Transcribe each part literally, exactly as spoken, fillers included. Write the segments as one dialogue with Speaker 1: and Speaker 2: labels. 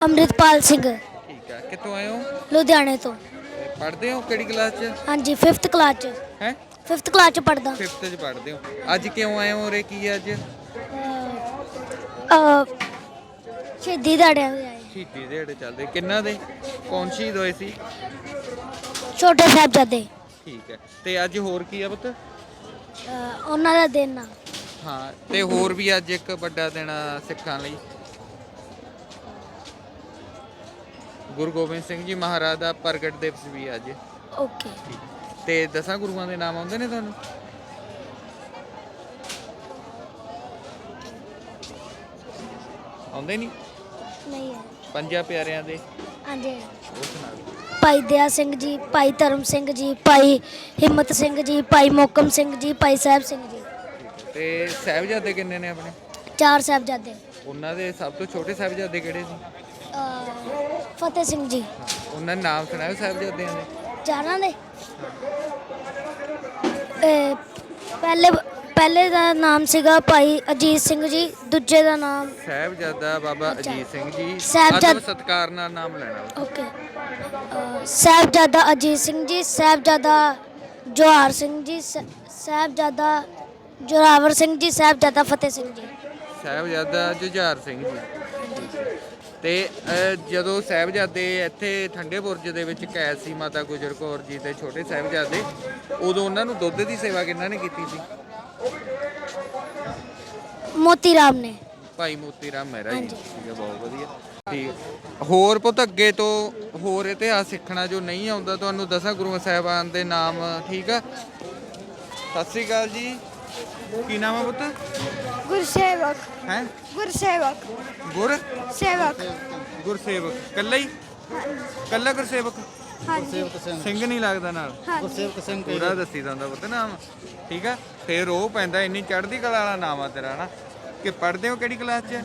Speaker 1: ਅੰਮ੍ਰਿਤਪਾਲ ਸਿੰਘ
Speaker 2: ਠੀਕ ਹੈ। ਕਿੱਥੋਂ ਆਏ ਹੋ?
Speaker 1: ਲੁਧਿਆਣੇ ਤੋਂ।
Speaker 2: ਪੜ੍ਹਦੇ ਹੋ ਕਿਹੜੀ ਕਲਾਸ 'ਚ?
Speaker 1: ਹਾਂਜੀ ਫਿਫਥ ਕਲਾਸ ਚ।
Speaker 2: ਹੈ
Speaker 1: ਫਿਫਥ ਕਲਾਸ ਚ ਪੜਦਾ।
Speaker 2: ਫਿਫਥ 'ਚ ਪੜ੍ਹਦੇ ਹੋ। ਅੱਜ ਕਿਉਂ ਆਏ ਹੋ ਉਰੇ? ਕੀ ਹੈ ਅੱਜ?
Speaker 1: ਸ਼ਹੀਦੀ ਦਿਹਾੜਿਆਂ ਦੇ ਆਏ।
Speaker 2: ਸ਼ਹੀਦੀ ਦਿਹਾੜੇ ਚੱਲਦੇ ਕਿੰਨਾ ਦੇ? ਕੌਣ ਸ਼ਹੀਦ ਹੋਏ ਸੀ?
Speaker 1: ਛੋਟੇ ਸਾਹਿਬਜ਼ਾਦੇ।
Speaker 2: ਠੀਕ ਹੈ। ਤੇ ਅੱਜ ਹੋਰ ਕੀ ਆ ਪੁੱਤ?
Speaker 1: ਅਹ ਉਹਨਾਂ ਦਾ ਦਿਨ ਆ।
Speaker 2: ਹਾਂ, ਤੇ ਹੋਰ ਵੀ ਅੱਜ ਇੱਕ ਵੱਡਾ ਦਿਨ ਆ ਸਿੱਖਾਂ ਲਈ। ਗੁਰੂ ਗੋਬਿੰਦ ਸਿੰਘ ਜੀ ਮਹਾਰਾਜ ਦਾ ਪ੍ਰਗਟ ਦਿਵਸ ਵੀ ਅੱਜ।
Speaker 1: ਓਕੇ।
Speaker 2: ਤੇ ਦਸਾਂ ਗੁਰੂਆਂ ਦੇ ਨਾਮ ਆਉਂਦੇ ਨੇ ਤੁਹਾਨੂੰ? ਆਉਂਦੇ ਨਹੀਂ?
Speaker 1: ਨਹੀਂ ਹੈ।
Speaker 2: ਪੰਜਾਂ ਪਿਆਰਿਆਂ ਦੇ
Speaker 1: ਹਾਂਜੀ
Speaker 2: ਉਹ ਸੁਣਾ ਦਿਓ।
Speaker 1: ਭਾਈ ਦਇਆ ਸਿੰਘ ਜੀ, ਭਾਈ ਧਰਮ ਸਿੰਘ ਜੀ, ਭਾਈ ਹਿੰਮਤ ਸਿੰਘ ਜੀ, ਭਾਈ ਮੋਕਮ ਸਿੰਘ ਜੀ, ਭਾਈ ਸਾਹਿਬ ਸਿੰਘ ਜੀ।
Speaker 2: ਤੇ ਸਾਹਿਬਜ਼ਾਦੇ ਕਿੰਨੇ ਨੇ ਆਪਣੇ?
Speaker 1: ਚਾਰ ਸਾਹਿਬਜ਼ਾਦੇ।
Speaker 2: ਉਹਨਾਂ ਦੇ ਸਭ ਤੋਂ ਛੋਟੇ ਸਾਹਿਬਜ਼ਾਦੇ ਕਿਹੜੇ ਸੀ?
Speaker 1: ਅਹ ਫਤਿਹ ਸਿੰਘ ਜੀ।
Speaker 2: ਉਹਨਾਂ ਦੇ ਨਾਮ ਸੁਣਾਓ ਸਾਹਿਬਜ਼ਾਦਿਆਂ ਦੇ।
Speaker 1: ਚਾਰਾਂ ਦੇ ਅਹ ਪਹਿਲੇ ਪਹਿਲੇ ਦਾ ਨਾਮ ਸੀਗਾ ਭਾਈ ਅਜੀਤ ਸਿੰਘ ਜੀ, ਦੂਜੇ ਦਾ ਨਾਮ
Speaker 2: ਸਾਹਿਬਜ਼ਾਦਾ ਬਾਬਾ
Speaker 1: ਅੱਛਾ।
Speaker 2: ਅਜੀਤ ਸਿੰਘ ਜੀ।
Speaker 1: ਸਾਹਿਬਜ਼ਾਦ-
Speaker 2: ਆਦਮ ਸਤਿਕਾਰ ਨਾਲ ਨਾਮ ਲੈਣਾ।
Speaker 1: ਓਕੇ। ਅਹ ਸਾਹਿਬਜ਼ਾਦਾ ਅਜੀਤ ਸਿੰਘ ਜੀ, ਸਾਹਿਬਜ਼ਾਦਾ ਜਵਾਹਰ ਸਿੰਘ ਜੀ, ਸ- ਸਾਹਿਬਜ਼ਾਦਾ ਜੋਰਾਵਰ ਸਿੰਘ ਜੀ, ਸਾਹਿਬਜ਼ਾਦਾ ਫਤਿਹ ਸਿੰਘ ਜੀ।
Speaker 2: ਸਾਹਿਬਜ਼ਾਦਾ ਜੁਝਾਰ ਸਿੰਘ ਜੀ। ਤੇ ਅਹ, ਜਦੋਂ ਸਾਹਿਬਜ਼ਾਦੇ ਇੱਥੇ ਠੰਡੇ ਬੁਰਜ ਦੇ ਵਿੱਚ ਕੈਦ ਸੀ ਮਾਤਾ ਗੁਜਰ ਕੌਰ ਜੀ ਤੇ ਛੋਟੇ ਸਾਹਿਬਜ਼ਾਦੇ, ਉਦੋਂ ਉਹਨਾਂ ਨੂੰ ਦੁੱਧ ਦੀ ਸੇਵਾ ਕਿਹਨਾਂ ਨੇ ਕੀਤੀ ਸੀ?
Speaker 1: ਮੋਤੀ ਰਾਮ ਨੇ।
Speaker 2: ਭਾਈ ਮੋਤੀ ਰਾਮ ਮਹਿਰਾ ਜੀ।
Speaker 1: ਹਾਂਜੀ।
Speaker 2: ਠੀਕ ਹੈ, ਬਹੁਤ ਵਧੀਆ। ਠੀਕ। ਹੋਰ ਪੁੱਤ ਅੱਗੇ ਤੋਂ ਹੋਰ ਇਤਿਹਾਸ ਸਿੱਖਣਾ ਜੋ ਨਹੀਂ ਆਉਂਦਾ ਤੁਹਾਨੂੰ, ਦਸਾਂ ਗੁਰੂਆਂ ਸਾਹਿਬਾਨ ਦੇ ਨਾਮ। ਠੀਕ ਆ। ਸਤਿ ਸ੍ਰੀ ਅਕਾਲ ਜੀ। ਕੀ ਨਾਮ ਆ ਪੁੱਤ?
Speaker 1: ਗੁਰਸੇਵਕ।
Speaker 2: ਹੈ
Speaker 1: ਗੁਰਸੇਵਕ।
Speaker 2: ਗੁਰ
Speaker 1: ਸੇਵਕ।
Speaker 2: ਗੁਰਸੇਵਕ ਕੱਲਾ ਹੀ? ਕੱਲਾ ਗੁਰਸੇਵਕ?
Speaker 1: ਹਾਂਜੀ।
Speaker 2: ਸਿੰਘ ਨਹੀਂ ਲੱਗਦਾ ਨਾਲ?
Speaker 1: ਗੁਰਸੇਵਕ
Speaker 2: ਸਿੰਘ ਪੂਰਾ ਦੱਸੀ ਜਾਂਦਾ ਪੁੱਤ ਨਾਮ। ਠੀਕ ਆ। ਫੇਰ ਉਹ ਪੈਂਦਾ ਇੰਨੀ ਚੜ੍ਹਦੀ ਕਲਾ ਵਾਲਾ ਨਾਮ ਆ ਤੇਰਾ ਨਾ। ਕਿ ਪੜ੍ਹਦੇ ਹੋ ਕਿਹੜੀ ਕਲਾਸ 'ਚ?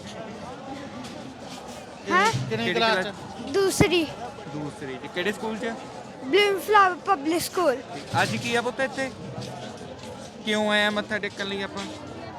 Speaker 1: ਹੈ
Speaker 2: ਕਿਹੜੀ ਕਲਾਸ 'ਚ?
Speaker 1: ਦੂਸਰੀ।
Speaker 2: ਦੂਸਰੀ 'ਚ। ਕਿਹੜੇ ਸਕੂਲ 'ਚ?
Speaker 1: Bloom Flower Public School.
Speaker 2: ਅੱਜ ਕੀ ਆ ਪੁੱਤ ਇੱਥੇ? ਕਿਉਂ ਆਇਆ ਮੱਥਾ ਟੇਕਣ ਲਈ ਆਪਾਂ?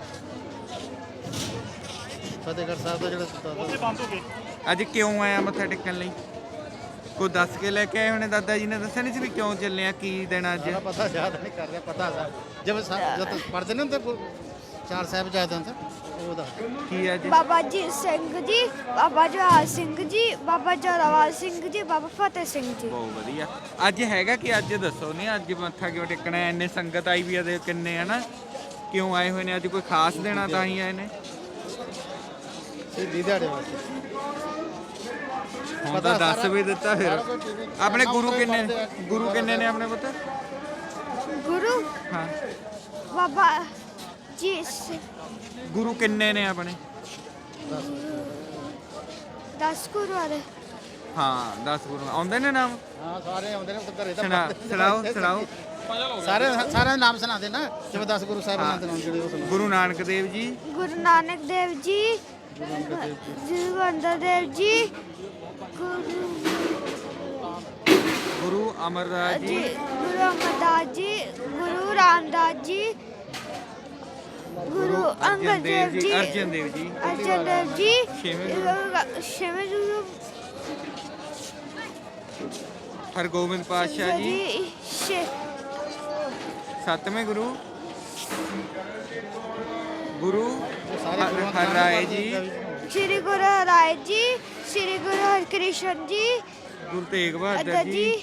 Speaker 3: ਫਤਿਹਗੜ੍ਹ ਸਾਹਿਬ ਦਾ ਜਿਹੜਾ ਉੱਥੇ ਬੰਦ ਹੋ ਗਏ।
Speaker 2: ਅੱਜ ਕਿਉਂ ਆਇਆ ਮੱਥਾ ਟੇਕਣ ਲਈ? ਕੋਈ ਦੱਸ ਕੇ ਲੈ ਕੇ ਆਏ ਹੋਣੇ? ਦਾਦਾ ਜੀ ਨੇ ਦੱਸਿਆ ਨਹੀਂ ਸੀ ਵੀ ਕਿਉਂ ਚੱਲੇ ਆ, ਕੀ ਦੇਣਾ ਅੱਜ?
Speaker 3: ਸਾਰਾ ਪਤਾ ਯਾਦ ਨਹੀਂ ਕਰ ਰਿਹਾ, ਪਤਾ ਸਾ ਜਦ ਜਦ ਪੜ੍ਹਦੇ ਨੇ ਤਾਂ ਚਾਰ ਸਾਹਿਬ ਜਾਦੇ ਹੁੰਦੇ ਉਹਦਾ
Speaker 2: ਕੀ ਅੱਜ?
Speaker 1: ਬਾਬਾ ਜੀ ਸਿੰਘ ਜੀ, ਬਾਬਾ ਜਵਾਹਰ ਸਿੰਘ ਜੀ, ਬਾਬਾ ਜੋਰਾਵਰ ਸਿੰਘ ਜੀ, ਬਾਬਾ ਫਤਿਹ ਸਿੰਘ ਜੀ।
Speaker 2: ਬਹੁਤ ਵਧੀਆ। ਅੱਜ ਹੈਗਾ ਕਿ ਅੱਜ ਦੱਸੋ ਨਹੀਂ ਅੱਜ ਮੱਥਾ ਕਿਉਂ ਟੇਕਣਾ ਹੈ? ਇੰਨੇ ਸੰਗਤ ਆਈ ਵੀ ਆ ਦੇ ਕਿੰਨੇ ਹਨਾ, ਕਿਉਂ ਆਏ ਹੋਏ ਨੇ? ਅੱਜ ਕੋਈ ਖਾਸ ਦੇਣਾ ਤਾਂ ਹੀ ਆਏ ਨੇ?
Speaker 3: ਸ਼ਹੀਦੀ ਦਿਹਾੜੇ ਵਾਸਤੇ।
Speaker 2: ਹੁਣ ਤਾਂ ਦੱਸ ਵੀ ਦਿੱਤਾ। ਫਿਰ ਆਪਣੇ ਗੁਰੂ ਕਿੰਨੇ ਗੁਰੂ ਕਿੰਨੇ ਨੇ ਆਪਣੇ ਪੁੱਤ?
Speaker 1: ਗੁਰੂ
Speaker 2: ਹਾਂ,
Speaker 1: ਬਾਬਾ ਜੀ ਸ-
Speaker 2: ਗੁਰੂ ਕਿੰਨੇ ਨੇ ਆਪਣੇ?
Speaker 1: ਦਸ ਗੁਰੂ ਵਾਲੇ।
Speaker 2: ਹਾਂ, ਦਸ ਗੁਰੂ ਆਉਂਦੇ ਨੇ ਨਾਮ?
Speaker 3: ਹਾਂ ਸਾਰੇ ਆਉਂਦੇ ਨੇ ਘਰੇ ਤਾਂ
Speaker 2: ਸੁਣਾ ਸੁਣਾਓ ਸੁਣਾਓ।
Speaker 3: ਸਾਰੇ ਸਾਰੇ ਨਾਮ ਸੁਣਾਦੇ ਨਾ, ਜਿਵੇਂ ਦਸ ਗੁਰੂ ਸਾਹਿਬਾਨਾਂ ਦੇ ਨਾਮ ਜਿਹੜੇ ਉਹ ਸੁਣਾ।
Speaker 2: ਗੁਰੂ ਨਾਨਕ ਦੇਵ ਜੀ,
Speaker 1: ਗੁਰੂ ਨਾਨਕ ਦੇਵ ਜੀ, ਗੁਰੂ ਅੰਗਦ ਦੇਵ ਜੀ, ਗੁਰੂ
Speaker 2: ਗੁਰੂ ਅਮਰਦਾਸ
Speaker 1: ਜੀ,
Speaker 2: ਜੀ,
Speaker 1: ਗੁਰੂ ਅਮਰਦਾਸ ਜੀ, ਗੁਰੂ ਰਾਮਦਾਸ ਜੀ, ਗੁਰੂ ਅੰਗਦ ਦੇਵ ਜੀ,
Speaker 2: ਅਰਜਨ ਦੇਵ ਜੀ,
Speaker 1: ਅਰਜਨ ਦੇਵ ਜੀ,
Speaker 2: ਛੇਵੇਂ ਗੁਰੂ,
Speaker 1: ਛੇਵੇਂ ਗੁਰੂ
Speaker 2: ਹਰਗੋਬਿੰਦ ਪਾਤਸ਼ਾਹ ਜੀ,
Speaker 1: ਜੀ, ਛੇ-
Speaker 2: ਸੱਤਵੇਂ ਗੁਰੂ ਗੁਰੂ
Speaker 3: ਸਾਰੇ ਗੁਰੂਆਂ ਦੇ
Speaker 2: ਹਰ ਰਾਏ ਜੀ,
Speaker 1: ਸ਼੍ਰੀ ਗੁਰੂ ਰਾਏ ਜੀ, ਸ਼੍ਰੀ ਗੁਰੂ ਹਰਕ੍ਰਿਸ਼ਨ ਜੀ,
Speaker 2: ਗੁਰੂ ਤੇਗ ਬਹਾਦਰ
Speaker 1: ਅਦਾ
Speaker 2: ਜੀ,
Speaker 1: ਜੀ,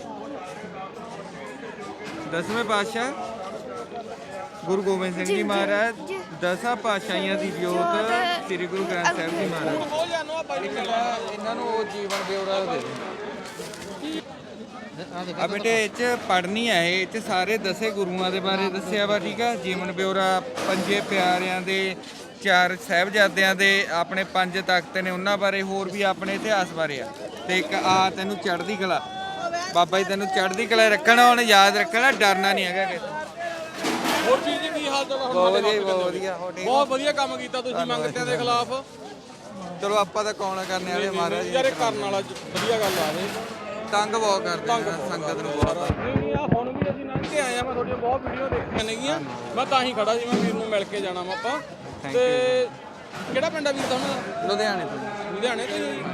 Speaker 2: ਦਸਵੇਂ ਪਾਤਸ਼ਾਹ ਗੁਰੂ ਗੋਬਿੰਦ ਸਿੰਘ ਜੀ ਮਹਾਰਾਜ, ਦਸਾਂ ਪਾਤਸ਼ਾਹੀਆਂ ਦੀ ਜੋਤ ਸ੍ਰੀ ਗੁਰੂ ਗ੍ਰੰਥ ਸਾਹਿਬ ਜੀ ਮਹਾਰਾਜ। ਇਹਨਾਂ ਨੂੰ ਉਹ ਜੀਵਨ ਬਿਉਰਾ ਦੇ ਦੇ। ਆ ਬੇਟੇ ਇਹ 'ਚ ਪੜ੍ਹਨੀ ਹੈ, ਇਹ 'ਚ ਸਾਰੇ ਦਸੇ ਗੁਰੂਆਂ ਦੇ ਬਾਰੇ ਦੱਸਿਆ ਵਾ। ਠੀਕ ਆ। ਜੀਵਨ ਬਿਉਰਾ, ਪੰਜੇ ਪਿਆਰਿਆਂ ਦੇ, ਚਾਰ ਸਾਹਿਬਜ਼ਾਦਿਆਂ ਦੇ, ਆਪਣੇ ਪੰਜ ਤਖਤ ਨੇ ਉਹਨਾਂ ਬਾਰੇ, ਹੋਰ ਵੀ ਆਪਣੇ ਇਤਿਹਾਸ ਬਾਰੇ ਆ। ਤੇ ਇੱਕ ਆ ਤੈਨੂੰ ਚੜ੍ਹਦੀ ਕਲਾ, ਬਾਬਾ ਜੀ ਤੈਨੂੰ ਚੜ੍ਹਦੀ ਕਲਾ ਰੱਖਣਾ, ਹੁਣ ਯਾਦ ਰੱਖਣਾ, ਡਰਨਾ ਨਹੀਂ ਹੈਗਾ ਕਿਤੇ।
Speaker 4: ਹੋਰ ਚੀਜ਼ ਦੀ ਕੀ ਹਾਲ ਚਾਲ ਆ?
Speaker 2: ਬਹੁਤ ਵਧੀਆ ਬਹੁਤ ਵਧੀਆ। ਹੋ ਠੀਕ
Speaker 4: ਬਹੁਤ ਵਧੀਆ ਕੰਮ ਕੀਤਾ ਤੁਸੀਂ ਮੰਗਤਿਆਂ ਦੇ ਖਿਲਾਫ।
Speaker 2: ਚਲੋ ਆਪਾਂ ਤਾਂ ਕੌਣ ਕਰਨੇ ਵਾਲੇ ਮਹਾਰਾਜ
Speaker 4: ਯਾਰ ਇਹ ਕਰਨ ਵਾਲਾ ਵਧੀਆ ਗੱਲ ਆ ਇਹ।
Speaker 2: ਤੰਗ ਬਹੁਤ ਕਰਦੇ ਨੇ ਸੰਗਤ ਨੂੰ ਬਹੁਤ।
Speaker 4: ਨਹੀਂ ਨਹੀਂ ਆ ਹੁਣ ਵੀ ਅਸੀਂ ਲੰਘ ਕੇ ਆਏ ਆ, ਮੈਂ ਤੁਹਾਡੀਆਂ ਬਹੁਤ ਵੀਡੀਓ ਦੇਖੀਆਂ ਨੇਗੀਆਂ, ਮੈਂ ਤਾਂ ਹੀ ਖੜਾ ਸੀ, ਮੈਂ ਵੀਰ ਨੂੰ ਮਿਲ ਕੇ ਜਾਣਾ ਵਾ ਆਪਾਂ। ਤੇ ਕਿਹੜਾ ਪਿੰਡ ਆ ਵੀਰ ਤੁਹਾਨੂੰ?
Speaker 2: ਲੁਧਿਆਣੇ ਤੋਂ।
Speaker 4: ਲੁਧਿਆਣੇ ਤੋਂ ਜੀ।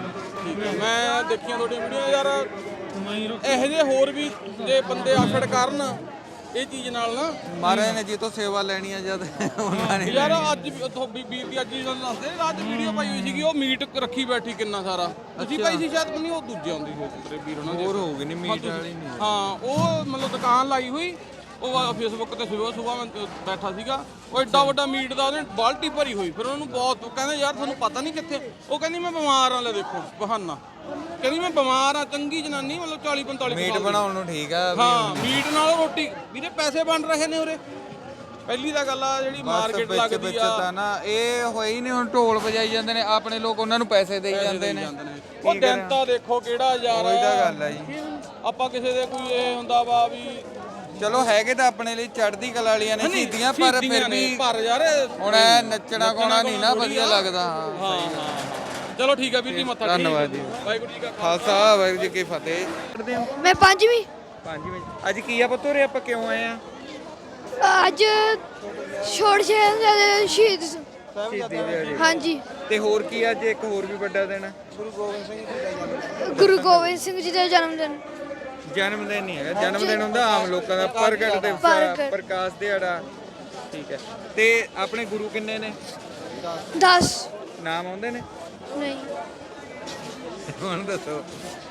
Speaker 4: ਠੀਕ ਹੈ ਮੈਂ ਦੇਖੀਆਂ ਤੁਹਾਡੀਆਂ ਵੀਡੀਓ ਯਾਰ ਇਹੋ ਜਿਹੇ ਹੋਰ ਵੀ ਜੇ ਬੰਦੇ ਆਫੜ ਕਰਨ ਇਹ ਚੀਜ਼ ਨਾਲ ਨਾ
Speaker 2: ਮਹਾਰਾਜ ਨੇ ਜੀ ਤੋਂ ਸੇਵਾ ਲੈਣੀ ਆ ਜਦ ਉਹਨਾਂ ਨੇ
Speaker 4: ਯਾਰ ਅੱਜ ਵੀ ਉੱਥੋਂ ਵੀ ਵੀਰ ਦੀ ਅੱਜ ਹੀ ਤੁਹਾਨੂੰ ਦੱਸਦੇ ਰਾਤ ਵੀਡੀਓ ਪਾਈ ਹੋਈ ਸੀਗੀ ਉਹ ਮੀਟ ਰੱਖੀ ਬੈਠੀ ਕਿੰਨਾ ਸਾਰਾ ਤੁਸੀਂ ਪਾਈ ਸੀ ਸ਼ਾਇਦ ਨਹੀਂ ਉਹ ਦੂਜੇ ਆਉਂਦੀ ਸੀ ਤੇਰੇ ਵੀਰ ਉਹਨਾਂ ਦੇ
Speaker 2: ਹੋਰ ਹੋਊਗੀ ਨਹੀਂ ਮੀਟ ਵਾਲੀ ਨਹੀਂ
Speaker 4: ਹਾਂ ਉਹ ਮਤਲਬ ਦੁਕਾਨ ਲਾਈ ਹੋਈ ਉਹ ਫੇਸਬੁੱਕ ਤੇ ਸਵੇਰ ਸੁਬਾਹ ਮੈਂ ਬੈਠਾ ਸੀਗਾ ਉਹ ਐਡਾ ਵੱਡਾ ਮੀਟ ਦਾ ਉਹਨੇ ਬਾਲਟੀ ਭਰੀ ਹੋਈ ਫਿਰ ਉਹਨੂੰ ਬਹੁਤ ਕਹਿੰਦੇ ਯਾਰ ਤੁਹਾਨੂੰ ਪਤਾ ਨਹੀਂ ਕਿੱਥੇ ਉਹ ਕਹਿੰਦੀ ਮੈਂ ਬਿਮਾਰ ਆ ਲੈ ਦੇਖੋ ਬਹਾਨਾ ਕਹਿੰਦੀ ਮੈਂ ਬਿਮਾਰ ਆ ਚੰਗੀ ਜਨਾਨੀ ਮਤਲਬ ਚਾਲੀ ਪੰਤਾਲੀ
Speaker 2: ਮੀਟ ਬਣਾਉਣ ਨੂੰ ਠੀਕ ਆ
Speaker 4: ਹਾਂ ਮੀਟ ਨਾਲ ਰੋਟੀ ਵੀਰੇ ਪੈਸੇ ਬਣ ਰਹੇ ਨੇ ਉਰੇ ਪਹਿਲੀ ਤਾਂ ਗੱਲ ਆ ਜਿਹੜੀ ਮਾਰਕੀਟ ਲੱਗਦੀ ਆ
Speaker 2: ਤਾਂ ਨਾ ਇਹ ਹੋਈ ਨਹੀਂ ਹੁਣ ਢੋਲ ਵਜਾਈ ਜਾਂਦੇ ਨੇ ਆਪਣੇ ਲੋਕ ਉਹਨਾਂ ਨੂੰ ਪੈਸੇ ਦੇਈ ਜਾਂਦੇ ਨੇ
Speaker 4: ਉਹ ਦਿਨ ਤਾਂ ਦੇਖੋ ਕਿਹੜਾ ਯਾਰ
Speaker 2: ਉਹੀ ਤਾਂ ਗੱਲ ਆ ਜੀ
Speaker 4: ਆਪਾਂ ਕਿਸੇ ਦੇ ਕੋਈ ਇਹ ਹੁੰਦਾ ਵਾ ਵੀ
Speaker 2: ਚਲੋ ਹੈਗੇ ਤਾਂ ਆਪਣੇ ਲਈ ਚੜ੍ਹਦੀ ਕਲਾ ਵਾਲੀਆਂ ਨੇ ਸ਼ਹੀਦੀਆਂ ਪਰ ਫਿਰ ਵੀ
Speaker 4: ਪਰ ਯਾਰ
Speaker 2: ਹੁਣ ਇਹ ਨੱਚਣਾ ਗਾਉਣਾ ਨਹੀਂ ਨਾ ਵਧੀਆ ਲੱਗਦਾ
Speaker 4: ਹਾਂ ਹਾਂ ਚਲੋ ਠੀਕ ਆ ਵੀਰ ਜੀ ਮੱਥਾ
Speaker 2: ਧੰਨਵਾਦ ਜੀ
Speaker 4: ਵਾਹਿਗੁਰੂ ਜੀ ਕਾ
Speaker 2: ਖਾਲਸਾ ਵਾਹਿਗੁਰੂ ਜੀ ਕੀ ਫਤਿਹ ਪੜ੍ਹਦੇ ਹੋ
Speaker 1: ਮੈਂ ਪੰਜਵੀਂ
Speaker 2: ਪੰਜਵੇਂ ਅੱਜ ਕੀ ਆ ਪੁੱਤ ਉਰੇ ਆਪਾਂ ਕਿਉਂ ਆਏ ਆ
Speaker 1: ਅੱਜ ਛੋੜ ਸ਼ਹੀਦ ਸ਼ਹੀਦ
Speaker 2: ਸ਼ਹੀਦੀ ਦਿਹਾੜੇ
Speaker 1: ਹਾਂਜੀ
Speaker 2: ਤੇ ਹੋਰ ਕੀ ਅੱਜ ਇੱਕ ਹੋਰ ਵੀ ਵੱਡਾ ਦਿਨ ਆ
Speaker 1: ਗੁਰੂ ਗੋਬਿੰਦ ਸਿੰਘ ਜੀ ਦਾ ਜਨਮ ਦਿਨ
Speaker 2: ਜਨਮ ਦਿਨ ਨਹੀਂ ਹੈਗਾ ਜਨਮ ਦਿਨ ਹੁੰਦਾ ਆਮ ਲੋਕਾਂ ਦਾ ਪ੍ਰਗਟ ਦਿਵਸ
Speaker 1: ਪ੍ਰਗਟ।
Speaker 2: ਪ੍ਰਕਾਸ਼ ਦਿਹਾੜਾ ਠੀਕ ਹੈ ਤੇ ਆਪਣੇ ਗੁਰੂ ਕਿੰਨੇ ਨੇ
Speaker 1: ਦਸ
Speaker 2: ਨਾਮ ਆਉਂਦੇ ਨੇ
Speaker 1: ਨਹੀਂ
Speaker 2: ਹੁਣ ਦੱਸੋ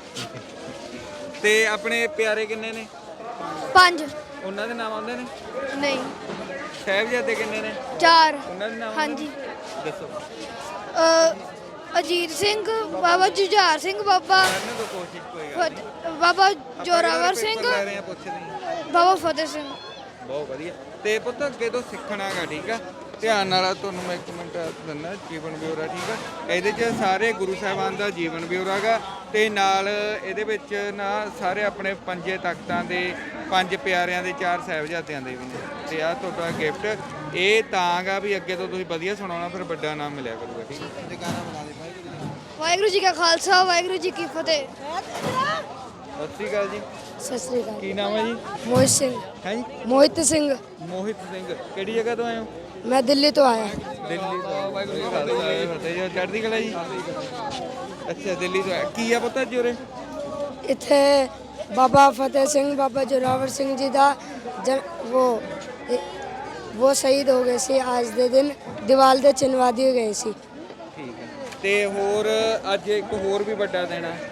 Speaker 2: ਤੇ ਆਪਣੇ ਪਿਆਰੇ ਕਿੰਨੇ ਨੇ
Speaker 1: ਪੰਜ
Speaker 2: ਉਹਨਾਂ ਦੇ ਨਾਮ ਆਉਂਦੇ ਨੇ
Speaker 1: ਨਹੀਂ
Speaker 2: ਸਾਹਿਬਜ਼ਾਦੇ ਕਿੰਨੇ ਨੇ
Speaker 1: ਚਾਰ
Speaker 2: ਉਹਨਾਂ ਦੇ ਨਾਮ
Speaker 1: ਹਾਂਜੀ
Speaker 2: ਦੱਸੋ
Speaker 1: ਅ, ਅਜੀਤ ਸਿੰਘ ਬਾਬਾ ਜੁਝਾਰ ਸਿੰਘ ਬਾਬਾ
Speaker 2: ਕਰਨ ਤੋਂ ਕੋਸ਼ਿਸ਼ ਕੋਈ ਗੱਲ ਨਹੀਂ
Speaker 1: ਫਤ- ਬਾਬਾ ਜੋਰਾਵਰ ਸਿੰਘ
Speaker 2: ਪੇਪਰ ਲੈ ਰਹੇ ਆ ਪੁੱਛਦੇ ਹਾਂ।
Speaker 1: ਬਾਬਾ ਫਤਿਹ ਸਿੰਘ
Speaker 2: ਬਹੁਤ ਵਧੀਆ ਤੇ ਪੁੱਤ ਅੱਗੇ ਤੋਂ ਸਿੱਖਣਾਗਾ ਠੀਕ ਆ ਧਿਆਨ ਨਾਲ ਤੁਹਾਨੂੰ ਮੈਂ ਇੱਕ ਮਿੰਟ ਦਿੰਦਾ ਜੀਵਨ ਬਿਉਰਾ ਠੀਕ ਆ ਇਹਦੇ 'ਚ ਸਾਰੇ ਗੁਰੂ ਸਾਹਿਬਾਨ ਦਾ ਜੀਵਨ ਬਿਉਰਾ ਗਾ ਤੇ ਨਾਲ ਇਹਦੇ ਵਿੱਚ ਨਾ ਸਾਰੇ ਆਪਣੇ ਪੰਜੇ ਤਖਤਾਂ ਦੇ ਪੰਜ ਪਿਆਰਿਆਂ ਦੇ ਚਾਰ ਸਾਹਿਬਜ਼ਾਦਿਆਂ ਦੇ ਵੀ ਨੇ ਤੇ ਆ ਤੁਹਾਡਾ ਗਿਫਟ ਇਹ ਤਾਂ ਗਾ ਵੀ ਅੱਗੇ ਤੋਂ ਤੁਸੀਂ ਵਧੀਆ ਸੁਣਾਉਣਾ ਫਿਰ ਵੱਡਾ ਨਾਮ ਮਿਲਿਆ ਕਰੂਗਾ ਠੀਕ ਹੈ
Speaker 1: ਵਾਹਿਗੁਰੂ ਜੀ ਕਾ ਖਾਲਸਾ ਵਾਹਿਗੁਰੂ ਜੀ ਕੀ ਫਤਿਹ
Speaker 2: ਸਤਿ ਸ਼੍ਰੀ ਅਕਾਲ ਜੀ
Speaker 1: ਸਤਿ ਸ੍ਰੀ ਅਕਾਲ
Speaker 2: ਕੀ ਨਾਮ ਹੈ ਜੀ
Speaker 1: ਮੋਹਿਤ ਸਿੰਘ
Speaker 2: ਹੈ ਜੀ
Speaker 1: ਮੋਹਿਤ ਸਿੰਘ
Speaker 2: ਮੋਹਿਤ ਸਿੰਘ ਕਿਹੜੀ ਜਗ੍ਹਾ ਤੋਂ ਆਏ ਹੋ
Speaker 1: ਮੈਂ ਦਿੱਲੀ ਤੋਂ ਆਇਆ
Speaker 2: ਦਿੱਲੀ ਤੋਂ ਵਾਹਿਗੁਰੂ ਜੀ ਕਾ ਖਾਲਸਾ ਫਤਿਹ ਜੀ ਚੜ੍ਹਦੀ ਕਲਾ ਜੀ ਅੱਛਾ ਦਿੱਲੀ ਤੋਂ ਆਏ ਕੀ ਆ ਪਤਾ ਜੀ ਉਰੇ
Speaker 1: ਇੱਥੇ ਬਾਬਾ ਫਤਿਹ ਸਿੰਘ ਬਾਬਾ ਜੋਰਾਵਰ ਸਿੰਘ ਜੀ ਦਾ ਜਨ ਉਹ ਉਹ ਸ਼ਹੀਦ ਹੋ ਗਏ ਸੀ ਅੱਜ ਦੇ ਦਿਨ ਦੀਵਾਲ ਦੇ ਚਿਣਵਾ ਦਿਏ ਗਏ ਸੀ
Speaker 2: ਠੀਕ ਹੈ ਤੇ ਹੋਰ ਅੱਜ ਇੱਕ ਹੋਰ ਵੀ ਵੱਡਾ ਦਿਨ ਆ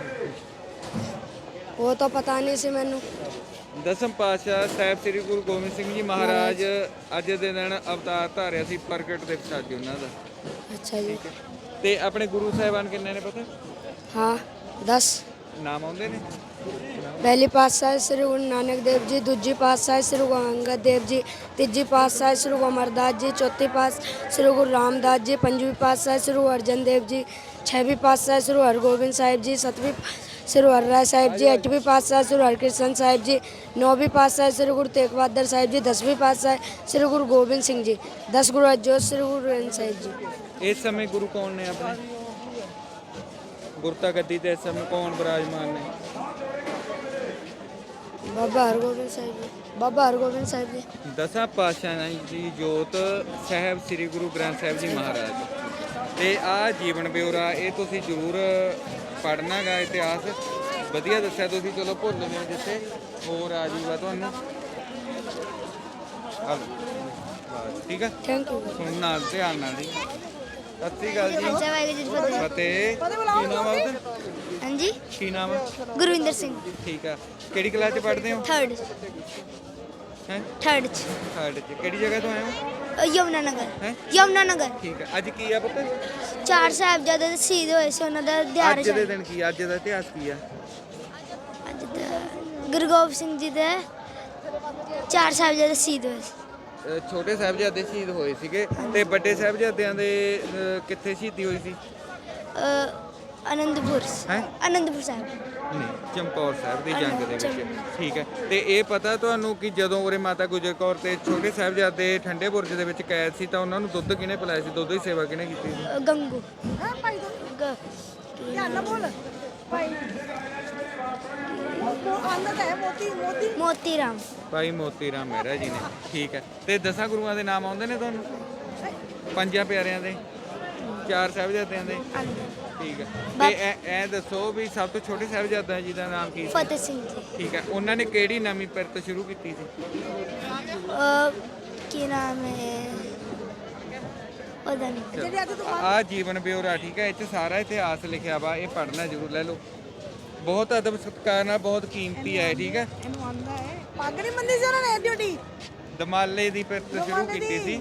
Speaker 1: ਉਹ ਤਾਂ ਪਤਾ ਨਹੀਂ ਸੀ ਮੈਨੂੰ
Speaker 2: ਦਸਮ ਪਾਤਸ਼ਾਹ ਸਾਹਿਬ ਸ੍ਰੀ ਗੁਰੂ ਗੋਬਿੰਦ ਸਿੰਘ ਜੀ ਮਹਾਰਾਜ ਅੱਜ ਦੇ ਦਿਨ ਅਵਤਾਰ ਧਾਰਿਆ ਸੀ ਪ੍ਰਗਟ ਦਿਵਸ ਅੱਜ ਉਹਨਾਂ ਦਾ
Speaker 1: ਅੱਛਾ ਜੀ
Speaker 2: ਤੇ ਆਪਣੇ ਗੁਰੂ ਸਾਹਿਬਾਨ ਕਿੰਨੇ ਨੇ ਪਤਾ
Speaker 1: ਹਾਂ ਦਸ
Speaker 2: ਨਾਮ ਆਉਂਦੇ ਨੇ
Speaker 1: ਪਹਿਲੀ ਪਾਤਸ਼ਾਹ ਸ੍ਰੀ ਗੁਰੂ ਨਾਨਕ ਦੇਵ ਜੀ ਦੂਜੀ ਪਾਤਸ਼ਾਹ ਸ੍ਰੀ ਗੁਰੂ ਅੰਗਦ ਦੇਵ ਜੀ ਤੀਜੀ ਪਾਤਸ਼ਾਹ ਸ੍ਰੀ ਗੁਰੂ ਅਮਰਦਾਸ ਜੀ ਚੌਥੀ ਪਾਤਸ਼ਾਹ ਸ੍ਰੀ ਗੁਰੂ ਰਾਮਦਾਸ ਜੀ ਪੰਜਵੀਂ ਪਾਤਸ਼ਾਹ ਸ੍ਰੀ ਗੁਰੂ ਅਰਜਨ ਦੇਵ ਜੀ ਛੇਵੀਂ ਪਾਤਸ਼ਾਹ ਸ੍ਰੀ ਗੁਰੂ ਹਰਗੋਬਿੰਦ ਸਾਹਿਬ ਜੀ ਸੱਤवीं श्री गुरु हरराय साहिब जी अठवीं पातशाह श्री हरकृष्ण साहिब जी नौवीं पातशाह श्री गुरु तेग बहादुर साहिब जी दसवीं पातशाह श्री गुरु गोबिंद सिंह जी दस गुरु अजोत श्री गुरु ग्रंथ साहिब जी
Speaker 2: ਇਸ ਸਮੇਂ ਗੁਰੂ ਕੌਣ ਨੇ ਆਪਣੇ ਗੁਰਤਾ ਗੱਦੀ ਤੇ ਇਸ ਸਮੇਂ ਕੌਣ ਬਿਰਾਜਮਾਨ ਨੇ
Speaker 1: बाबा हरगोबिंद साहिब जी बाबा हरगोबिंद साहिब जी
Speaker 2: ਦਸਾਂ ਪਾਤਸ਼ਾਹਾਂ ਦੀ ਜੋਤ ਸਾਹਿਬ ਸ੍ਰੀ ਗੁਰੂ ਗ੍ਰੰਥ ਸਾਹਿਬ ਜੀ ਮਹਾਰਾਜ ਤੇ ਆ ਜੀਵਨ ਬਿਉਰਾ ਇਹ ਤੁਸੀਂ ਜ਼ਰੂਰ ਪੜ੍ਹਨਾ ਗਾ ਇਤਿਹਾਸ ਵਧੀਆ ਦੱਸਿਆ ਤੁਸੀਂ ਚਲੋ ਭੁੱਲ ਗਏ ਜਿੱਥੇ ਹੋਰ ਆ ਜੂਗਾ ਤੁਹਾਨੂੰ ਆ ਲਓ। ਠੀਕ ਆ
Speaker 1: थैंक यू
Speaker 2: ਸੁਣ ਨਾਲ ਧਿਆਨ ਨਾਲ ਜੀ ਸਤਿ ਸ਼੍ਰੀ ਅਕਾਲ ਜੀ
Speaker 1: वाहिगुरु
Speaker 2: ਫਤਿਹ ਕੀ ਨਾਮ ਆ ਉਹਦਾ
Speaker 1: हाँ जी
Speaker 2: ਕੀ ਨਾਮ ਆ
Speaker 1: गुरविंदर सिंह
Speaker 2: ਠੀਕ ਆ ਕਿਹੜੀ ਕਲਾਸ ਚ ਪੜ੍ਹਦੇ ਹੋ
Speaker 1: थर्ड
Speaker 2: ਹੈ
Speaker 1: थर्ड
Speaker 2: ਥਰਡ ਚ ਕਿਹੜੀ ਜਗ੍ਹਾ ਤੋਂ ਆਏ ਹੋ
Speaker 1: यमुनानगर
Speaker 2: ਹੈ
Speaker 1: यमुनानगर
Speaker 2: ਠੀਕ ਆ ਅੱਜ ਕੀ ਆ ਪੁੱਤ
Speaker 1: ਚਾਰ ਸਾਹਿਬਜ਼ਾਦੇ ਦੇ ਸ਼ਹੀਦ ਹੋਏ ਸੀ ਉਹਨਾਂ ਦਾ ਦਿਹਾੜਾ
Speaker 2: ਅੱਜ ਦੇ ਦਿਨ ਕੀ ਅੱਜ ਦਾ ਇਤਿਹਾਸ ਕੀ ਆ
Speaker 1: ਅੱਜ ਦਾ ਗੁਰੂ ਗੋਬਿੰਦ ਸਿੰਘ ਜੀ ਦੇ ਚਾਰ ਸਾਹਿਬਜ਼ਾਦੇ ਸ਼ਹੀਦ ਹੋਏ ਸੀ
Speaker 2: ਅ, ਛੋਟੇ ਸਾਹਿਬਜ਼ਾਦੇ ਸ਼ਹੀਦ ਹੋਏ ਸੀਗੇ ਤੇ ਵੱਡੇ ਸਾਹਿਬਜ਼ਾਦਿਆਂ ਦੇ ਅ, ਕਿੱਥੇ ਸ਼ਹੀਦੀ ਹੋਈ ਸੀ
Speaker 1: ਅ, ਅਨੰਦਪੁਰ
Speaker 2: ਹੈਂ?
Speaker 1: ਅਨੰਦਪੁਰ ਸਾਹਿਬ
Speaker 2: ਨਹੀਂ ਚਮਕੌਰ ਸਾਹਿਬ ਦੀ ਜੰਗ ਦੇ ਵਿੱਚ ਠੀਕ ਹੈ ਤੇ ਇਹ ਪਤਾ ਤੁਹਾਨੂੰ ਕਿ ਜਦੋਂ ਉਰੇ ਮਾਤਾ ਗੁਜਰ ਕੌਰ ਤੇ ਛੋਟੇ ਸਾਹਿਬਜ਼ਾਦੇ ਠੰਡੇ ਬੁਰਜ ਦੇ ਵਿੱਚ ਕੈਦ ਸੀ ਤਾਂ ਉਹਨਾਂ ਨੂੰ ਦੁੱਧ ਕਿਹਨੇ ਪਿਲਾਇਆ ਸੀ ਦੁੱਧ ਦੀ ਸੇਵਾ ਕਿਹਨੇ ਕੀਤੀ ਸੀ
Speaker 1: ਅ, ਗੰਗੂ ਗ- ਮੋਤੀ ਰਾਮ
Speaker 2: ਭਾਈ ਮੋਤੀ ਰਾਮ ਮਹਿਰਾ ਜੀ ਨੇ ਠੀਕ ਹੈ ਤੇ ਦਸਾਂ ਗੁਰੂਆਂ ਦੇ ਨਾਮ ਆਉਂਦੇ ਨੇ ਤੁਹਾਨੂੰ ਪੰਜਾਂ ਪਿਆਰਿਆਂ ਦੇ ਚਾਰ ਸਾਹਿਬਜ਼ਾਦਿਆਂ ਦੇ ਠੀਕ ਹੈ ਤੇ ਇਹ ਇਹ ਦੱਸੋ ਵੀ ਸਭ ਤੋਂ ਛੋਟੇ ਸਾਹਿਬਜ਼ਾਦਾ ਜੀ ਦਾ ਨਾਮ ਕੀ ਸੀ?
Speaker 5: ਫਤਿਹ ਸਿੰਘ ਜੀ।
Speaker 2: ਠੀਕ ਹੈ, ਉਹਨਾਂ ਨੇ ਕਿਹੜੀ ਨਵੀਂ ਪਿਰਤ ਸ਼ੁਰੂ ਕੀਤੀ ਸੀ?
Speaker 5: ਅਹ, ਕੀ ਨਾਮ ਹੈ ਉਹਦਾ ਨਹੀਂ
Speaker 2: ਆ ਜੀਵਨ ਬਿਉਰਾ, ਠੀਕ ਹੈ, ਇਹ ਚ ਸਾਰਾ ਇਤਿਹਾਸ ਲਿਖਿਆ ਵਾ, ਇਹ ਪੜ੍ਹਨਾ ਜ਼ਰੂਰ ਲੈ ਲਓ। ਬਹੁਤ ਅਦਬ ਸਤਿਕਾਰ ਨਾਲ, ਬਹੁਤ ਕੀਮਤੀ ਹੈ, ਠੀਕ ਹੈ।
Speaker 6: ਪੱਗ ਨਹੀਂ ਬੰਦੀ ਸੀ ਉਹਨਾਂ ਨੇ ਡਿਊਟੀ
Speaker 2: ਦਮਾਲੇ ਦੀ ਪਿਰਤ ਸ਼ੁਰੂ ਕੀਤੀ ਸੀ।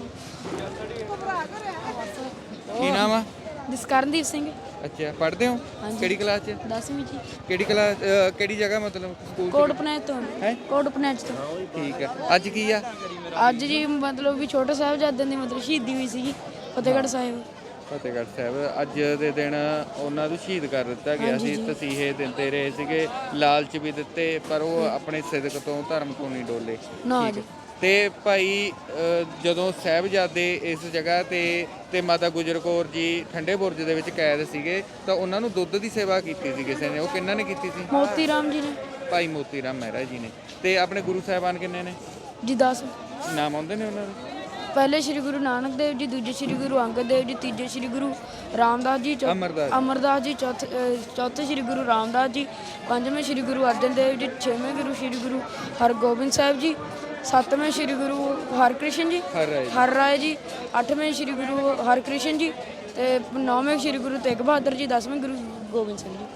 Speaker 2: ਕੀ ਨਾਮ ਆ?
Speaker 7: ਜਸਕਰਨਦੀਪ ਸਿੰਘ।
Speaker 2: ਅੱਛਾ, ਪੜ੍ਹਦੇ ਹੋ ਕਿਹੜੀ ਕਲਾਸ ਚ?
Speaker 7: ਦਸਵੀਂ ਜੀ।
Speaker 2: ਕਿਹੜੀ ਕਲਾਸ, ਕਿਹੜੀ ਜਗ੍ਹਾ ਮਤਲਬ ਸਕੂਲ ਚ?
Speaker 7: ਕੋਟ ਪਨੈਚ ਤੋਂ
Speaker 2: ਹੈਂ?
Speaker 7: ਕੋਟ ਪਨੈਚ ਤੋਂ।
Speaker 2: ਠੀਕ ਹੈ, ਅੱਜ ਕੀ ਆ?
Speaker 7: ਅੱਜ ਜੀ ਮਤਲਬ ਵੀ ਛੋਟੇ ਸਾਹਿਬਜ਼ਾਦਿਆਂ ਦੀ ਮਤਲਬ ਸ਼ਹੀਦੀ ਹੋਈ ਸੀਗੀ ਫਤਿਹਗੜ੍ਹ ਸਾਹਿਬ।
Speaker 2: ਫਤਿਹਗੜ੍ਹ ਸਾਹਿਬ ਅੱਜ ਦੇ ਦਿਨ ਉਹਨਾਂ ਨੂੰ ਸ਼ਹੀਦ ਕਰ ਦਿੱਤਾ ਗਿਆ ਸੀ। ਤਸੀਹੇ ਦਿੰਦੇ ਰਹੇ ਸੀਗੇ, ਲਾਲਚ ਵੀ ਦਿੱਤੇ, ਪਰ ਉਹ ਆਪਣੇ ਸਿਦਕ ਤੋਂ, ਧਰਮ ਤੋਂ ਨਹੀਂ ਡੋਲੇ।
Speaker 7: ਨਾ
Speaker 2: ਠੀਕ
Speaker 7: ਜੀ।
Speaker 2: ਹੈ। ਤੇ ਭਾਈ ਅ, ਜਦੋਂ ਸਾਹਿਬਜ਼ਾਦੇ ਇਸ ਜਗ੍ਹਾ ਤੇ ਤੇ ਮਾਤਾ ਗੁਜਰ ਕੌਰ ਜੀ ਠੰਡੇ ਬੁਰਜ ਦੇ ਵਿੱਚ ਕੈਦ ਸੀਗੇ ਤਾਂ ਉਹਨਾਂ ਨੂੰ ਦੁੱਧ ਦੀ ਸੇਵਾ ਕੀਤੀ ਸੀ ਕਿਸੇ ਨੇ, ਉਹ ਕਿਹਨਾਂ ਨੇ ਕੀਤੀ ਸੀ?
Speaker 7: ਮੋਤੀ ਰਾਮ ਜੀ ਨੇ।
Speaker 2: ਭਾਈ ਮੋਤੀ ਰਾਮ ਮਹਿਰਾ ਜੀ ਨੇ। ਤੇ ਆਪਣੇ ਗੁਰੂ ਸਾਹਿਬਾਨ ਕਿੰਨੇ ਨੇ?
Speaker 7: ਜੀ ਦਸ।
Speaker 2: ਨਾਮ ਆਉਂਦੇ ਨੇ ਉਹਨਾਂ ਦੇ?
Speaker 7: ਪਹਿਲੇ ਸ਼੍ਰੀ ਗੁਰੂ ਨਾਨਕ ਦੇਵ ਜੀ, ਦੂਜੇ ਸ਼੍ਰੀ ਗੁਰੂ ਅੰਗਦ ਦੇਵ ਜੀ, ਤੀਜੇ ਸ਼੍ਰੀ ਗੁਰੂ ਰਾਮਦਾਸ ਜੀ, ਚੌ-
Speaker 2: ਅਮਰਦਾਸ।
Speaker 7: ਅਮਰਦਾਸ ਜੀ, ਚੌਥੇ ਅਹ, ਚੌਥੇ ਸ਼੍ਰੀ ਗੁਰੂ ਰਾਮਦਾਸ ਜੀ, ਪੰਜਵੇਂ ਸ਼੍ਰੀ ਗੁਰੂ ਅਰਜਨ ਦੇਵ ਜੀ, ਛੇਵੇਂ ਗੁਰੂ ਸ਼੍ਰੀ ਗੁਰੂ ਹਰਗੋਬਿੰਦ ਸਾਹਿਬ ਜੀ, ਸੱਤਵੇਂ ਸ਼੍ਰੀ ਗੁਰੂ ਹਰਕ੍ਰਿਸ਼ਨ ਜੀ
Speaker 2: ਹਰ ਰਾਏ ਜੀ।
Speaker 7: ਹਰ ਰਾਏ ਜੀ, ਅੱਠਵੇਂ ਸ਼੍ਰੀ ਗੁਰੂ ਹਰਕ੍ਰਿਸ਼ਨ ਜੀ ਤੇ ਨੌਵੇਂ ਸ਼੍ਰੀ ਗੁਰੂ ਤੇਗ ਬਹਾਦਰ ਜੀ, ਦਸਵੇਂ ਗੁਰੂ ਗੋਬਿੰਦ ਸਿੰਘ ਜੀ।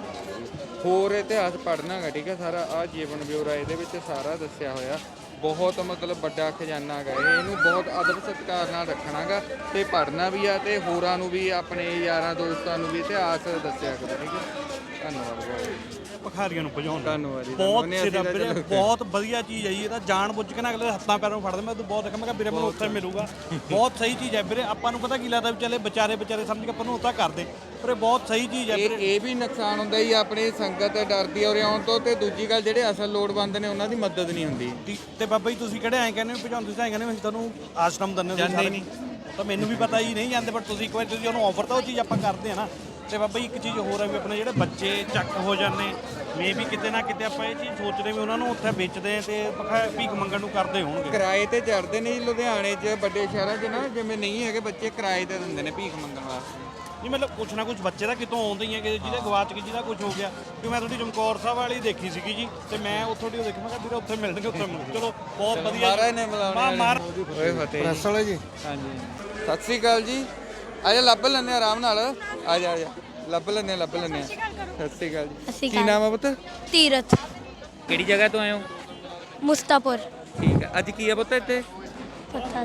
Speaker 2: ਹੋਰ ਇਤਿਹਾਸ ਪੜ੍ਹਨਾ ਗਾ, ਠੀਕ ਹੈ। ਸਾਰਾ ਆ ਜੀਵਨ ਬਿਉਰਾ ਇਹਦੇ ਵਿੱਚ ਸਾਰਾ ਦੱਸਿਆ ਹੋਇਆ। ਬਹੁਤ ਮਤਲਬ ਵੱਡਾ ਖਜ਼ਾਨਾ ਹੈਗਾ ਇਹ, ਇਹਨੂੰ ਬਹੁਤ ਅਦਬ ਸਤਿਕਾਰ ਨਾਲ ਰੱਖਣਾ ਗਾ ਤੇ ਪੜ੍ਹਨਾ ਵੀ ਆ ਤੇ ਹੋਰਾਂ ਨੂੰ ਵੀ, ਆਪਣੇ ਯਾਰਾਂ ਦੋਸਤਾਂ ਨੂੰ ਵੀ ਇਤਿਹਾਸ ਦੱਸਿਆ ਕਰੋ, ਠੀਕ ਹੈ। ਧੰਨਵਾਦ ਬਹੁਤ।
Speaker 8: ਭਿਖਾਰੀਆਂ ਨੂੰ ਭਜਾਉਣ
Speaker 2: ਧੰਨਵਾਦ ਜੀ।
Speaker 8: ਬਹੁਤ
Speaker 2: ਧੰਨਵਾਦ।
Speaker 8: ਸਿਰਾ
Speaker 2: ਅਸੀਂ ਤਾਂ
Speaker 8: ਵੀਰੇ,
Speaker 2: ਚਲੋ-
Speaker 8: ਬਹੁਤ ਵਧੀਆ ਚੀਜ਼ ਹੈ ਜੀ। ਇਹ ਤਾਂ ਜਾਣ ਬੁੱਝ ਕੇ ਨਾ ਅਗਲੇ ਦੇ ਹੱਥਾਂ ਪੈਰਾਂ ਨੂੰ ਫੜਦੇ। ਮੈਂ ਤੂੰ ਬਹੁਤ ਦੇਖਿਆ, ਮੈਂ ਕਿਹਾ ਵੀਰੇ ਮੈਨੂੰ ਉੱਥੇ ਮਿਲੂਗਾ। ਬਹੁਤ ਸਹੀ ਚੀਜ਼ ਹੈ ਵੀਰੇ। ਆਪਾਂ ਨੂੰ ਪਤਾ ਕੀ ਲੱਗਦਾ ਵੀ ਚੱਲੇ ਵਿਚਾਰੇ ਵਿਚਾਰੇ ਸਮਝ ਕੇ ਆਪਾਂ ਨੂੰ ਉੱਥਾ ਕਰਦੇ, ਪਰ ਇਹ ਬਹੁਤ ਸਹੀ ਚੀਜ਼ ਹੈ
Speaker 2: ਇਹ
Speaker 8: ਵੀਰੇ।
Speaker 2: ਇਹ ਵੀ ਨੁਕਸਾਨ ਹੁੰਦਾ ਹੀ ਆਪਣੀ ਸੰਗਤ ਡਰਦੀ ਔਰ ਆਉਣ ਤੋਂ, ਤੇ ਦੂਜੀ ਗੱਲ ਜਿਹੜੇ ਅਸਲ ਲੋੜਵੰਦ ਨੇ ਉਹਨਾਂ ਦੀ ਮਦਦ ਨਹੀਂ ਹੁੰਦੀ।
Speaker 8: ਤੇ- ਤੇ ਬਾਬਾ ਜੀ ਤੁਸੀਂ ਕਿਹੜੇ ਐਂ ਕਹਿੰਦੇ ਹੋ ਭਜਾਉਂਦੇ, ਤੁਸੀਂ ਐਂ ਕਹਿੰਦੇ ਹੋ ਅਸੀਂ ਤੁਹਾਨੂੰ ਆਸ਼ਰਮ ਦਿੰਦੇ ਹਾਂ,
Speaker 2: ਜਾਂਦੇ ਨਹੀਂ।
Speaker 8: ਤਾਂ ਮੈਨੂੰ ਵੀ ਪਤਾ ਹੀ ਨਹੀਂ ਜਾਂਦੇ, ਪਰ ਤੁਸੀਂ ਇੱਕ ਵਾਰ ਤੁਸੀਂ ਉਹਨੂੰ ਆਫਰ ਤਾਂ ਉਹ ਚੀਜ਼ ਆਪਾਂ ਕਰਦੇ ਆ ਨਾ। ਤੇ ਬਾਬਾ ਜੀ ਇੱਕ ਚੀਜ਼ ਹੋਰ ਹੈ ਵੀ ਆਪਣੇ ਜਿਹੜੇ ਬੱਚੇ ਚੱਕ ਹੋ ਜਾਂਦੇ, ਮੇ ਵੀ ਕਿਤੇ ਨਾ ਕਿਤੇ ਆਪਾਂ ਇਹ ਚੀਜ਼ ਸੋਚਦੇ ਵੀ ਉਹਨਾਂ ਨੂੰ ਉੱਥੇ ਵੇਚਦੇ ਤੇ ਭਖਾ- ਭੀਖ ਮੰਗਣ ਨੂੰ ਕਰਦੇ ਹੋਣਗੇ।
Speaker 2: ਕਿਰਾਏ ਤੇ ਚੜਦੇ ਨੇ ਜੀ ਲੁਧਿਆਣੇ 'ਚ, ਵੱਡੇ ਸ਼ਹਿਰਾਂ 'ਚ ਨਾ, ਜਿਵੇਂ ਨਹੀਂ ਹੈਗੇ ਬੱਚੇ ਕਿਰਾਏ ਤੇ ਦਿੰਦੇ ਨੇ ਭੀਖ ਮੰਗਣ ਵਾਸਤੇ।
Speaker 8: ਨਹੀਂ ਮਤਲਬ ਕੁਛ ਨਾ ਕੁਛ ਬੱਚੇ ਤਾਂ ਕਿਤੋਂ ਆਉਂਦੇ ਹੀ ਆ, ਕਿ ਜਿਹਦੇ ਗਵਾਚ ਕੇ ਜਿਹਦਾ ਕੁਝ ਹੋ ਗਿਆ। ਕਿ ਮੈਂ ਤੁਹਾਡੀ ਚਮਕੌਰ ਸਾਹਿਬ ਵਾਲੀ ਦੇਖੀ ਸੀਗੀ ਜੀ, ਤੇ ਮੈਂ ਉੱਥੋਂ ਦੀ ਉਹ ਦੇਖੀ, ਮੈਂ ਕਿਹਾ ਵੀਰੇ ਉੱਥੇ ਮਿਲਣਗੇ, ਉੱਥੇ ਮਿਲਣਗੇ। ਚਲੋ ਬਹੁਤ ਵਧੀਆ।
Speaker 2: ਮਹਾਰਾਜ ਨੇ ਬੁਲਾਉਣੇ
Speaker 8: ਮਾ- ਮਾਰ
Speaker 2: ਓਏ ਫਤਿਹ
Speaker 3: ਪ੍ਰੈਸ ਵਾਲੇ ਜੀ।
Speaker 2: ਹਾਂਜੀ, ਸਤਿ ਸ੍ਰੀ ਅਕਾਲ ਜੀ। ਆ ਜਾ ਲੱਭ ਲੈਂਦੇ ਆ ਆਰਾਮ ਨਾਲ, ਆ ਜਾ ਆ ਜਾ ਲੱਭ ਲੈਂਦੇ ਆ ਲੱਭ ਲੈਂਦੇ ਆ। ਸਤਿ ਸ੍ਰੀ ਅਕਾਲ ਜੀ। ਕੀ ਨਾਮ ਆ ਪੁੱਤ?
Speaker 5: ਤੀਰਥ
Speaker 2: ਕਿਹੜੀ ਜਗ੍ਹਾ ਤੋਂ ਆਏ ਹੋ?
Speaker 5: ਮੁਸਤਾਪੁਰ।
Speaker 2: ਠੀਕ ਹੈ, ਅੱਜ ਕੀ ਆ ਪੁੱਤ ਇੱਥੇ?
Speaker 5: ਪਤਾ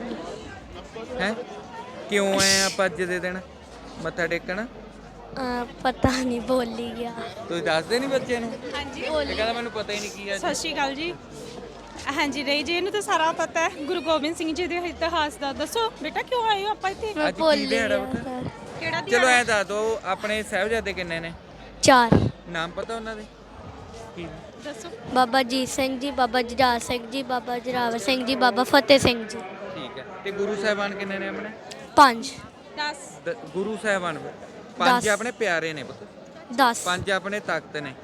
Speaker 5: ਨਹੀਂ
Speaker 2: ਹੈ ਕਿਉਂ ਆਏ ਆਪਾਂ ਅੱਜ ਦੇ ਦਿਨ ਮੱਥਾ ਟੇਕਣ?
Speaker 5: ਅਹ, ਪਤਾ ਨਹੀਂ ਭੁੱਲ ਹੀ ਗਿਆ।
Speaker 2: ਤੁਸੀਂ ਦੱਸਦੇ ਨਹੀਂ ਬੱਚੇ ਨੂੰ?
Speaker 9: ਹਾਂਜੀ
Speaker 2: ਇਹ ਕਹਿੰਦਾ ਮੈਨੂੰ ਪਤਾ ਹੀ ਨਹੀਂ ਕੀ ਆ।
Speaker 9: ਸਤਿ ਸ਼੍ਰੀ ਅਕਾਲ ਜੀ। ਹਾਂਜੀ ਰਹੀ ਜੀ, ਇਹਨੂੰ ਤਾਂ ਸਾਰਾ ਪਤਾ ਹੈ ਗੁਰੂ ਗੋਬਿੰਦ ਸਿੰਘ ਜੀ ਦੇ ਇਤਿਹਾਸ ਦਾ। ਦੱਸੋ ਬੇਟਾ ਕਿਉਂ ਆਏ ਹੋ ਆਪਾਂ ਇੱਥੇ?
Speaker 5: ਮੈਂ
Speaker 2: ਅੱਜ ਕੀ
Speaker 5: ਭੁੱਲ ਹੀ
Speaker 2: ਦਿਹਾੜਾ
Speaker 5: ਗਿਆ
Speaker 2: ਪੁੱਤ?
Speaker 5: ਸਰ।
Speaker 9: ਕਿਹੜਾ
Speaker 2: ਚਲੋ
Speaker 9: ਦਿਹਾੜਾ?
Speaker 2: ਐ ਦੱਸ ਦੋ, ਆਪਣੇ ਸਾਹਿਬਜ਼ਾਦੇ ਕਿੰਨੇ ਨੇ?
Speaker 5: ਚਾਰ।
Speaker 2: ਨਾਮ ਪਤਾ ਉਹਨਾਂ ਦੇ? ਕੀ?
Speaker 9: ਦੱਸੋ।
Speaker 5: ਬਾਬਾ ਜੀਤ ਸਿੰਘ ਜੀ, ਬਾਬਾ ਜੁਝਾਰ ਸਿੰਘ ਜੀ, ਬਾਬਾ ਜਰਾਵਰ ਸਿੰਘ ਜੀ, ਬਾਬਾ ਫਤਿਹ ਸਿੰਘ ਜੀ।
Speaker 2: ਠੀਕ ਹੈ। ਤੇ ਗੁਰੂ ਸਾਹਿਬਾਨ ਕਿੰਨੇ ਨੇ ਆਪਣੇ?
Speaker 5: ਪੰਜ।
Speaker 9: ਦਸ।
Speaker 2: ਦ- ਗੁਰੂ ਸਾਹਿਬਾਨ ਪੰਜ
Speaker 5: ਦਸ।
Speaker 2: ਆਪਣੇ ਪਿਆਰੇ ਨੇ ਪੁੱਤ,
Speaker 5: ਦਸ।
Speaker 2: ਪੰਜ ਆਪਣੇ ਤਖਤ ਨੇ।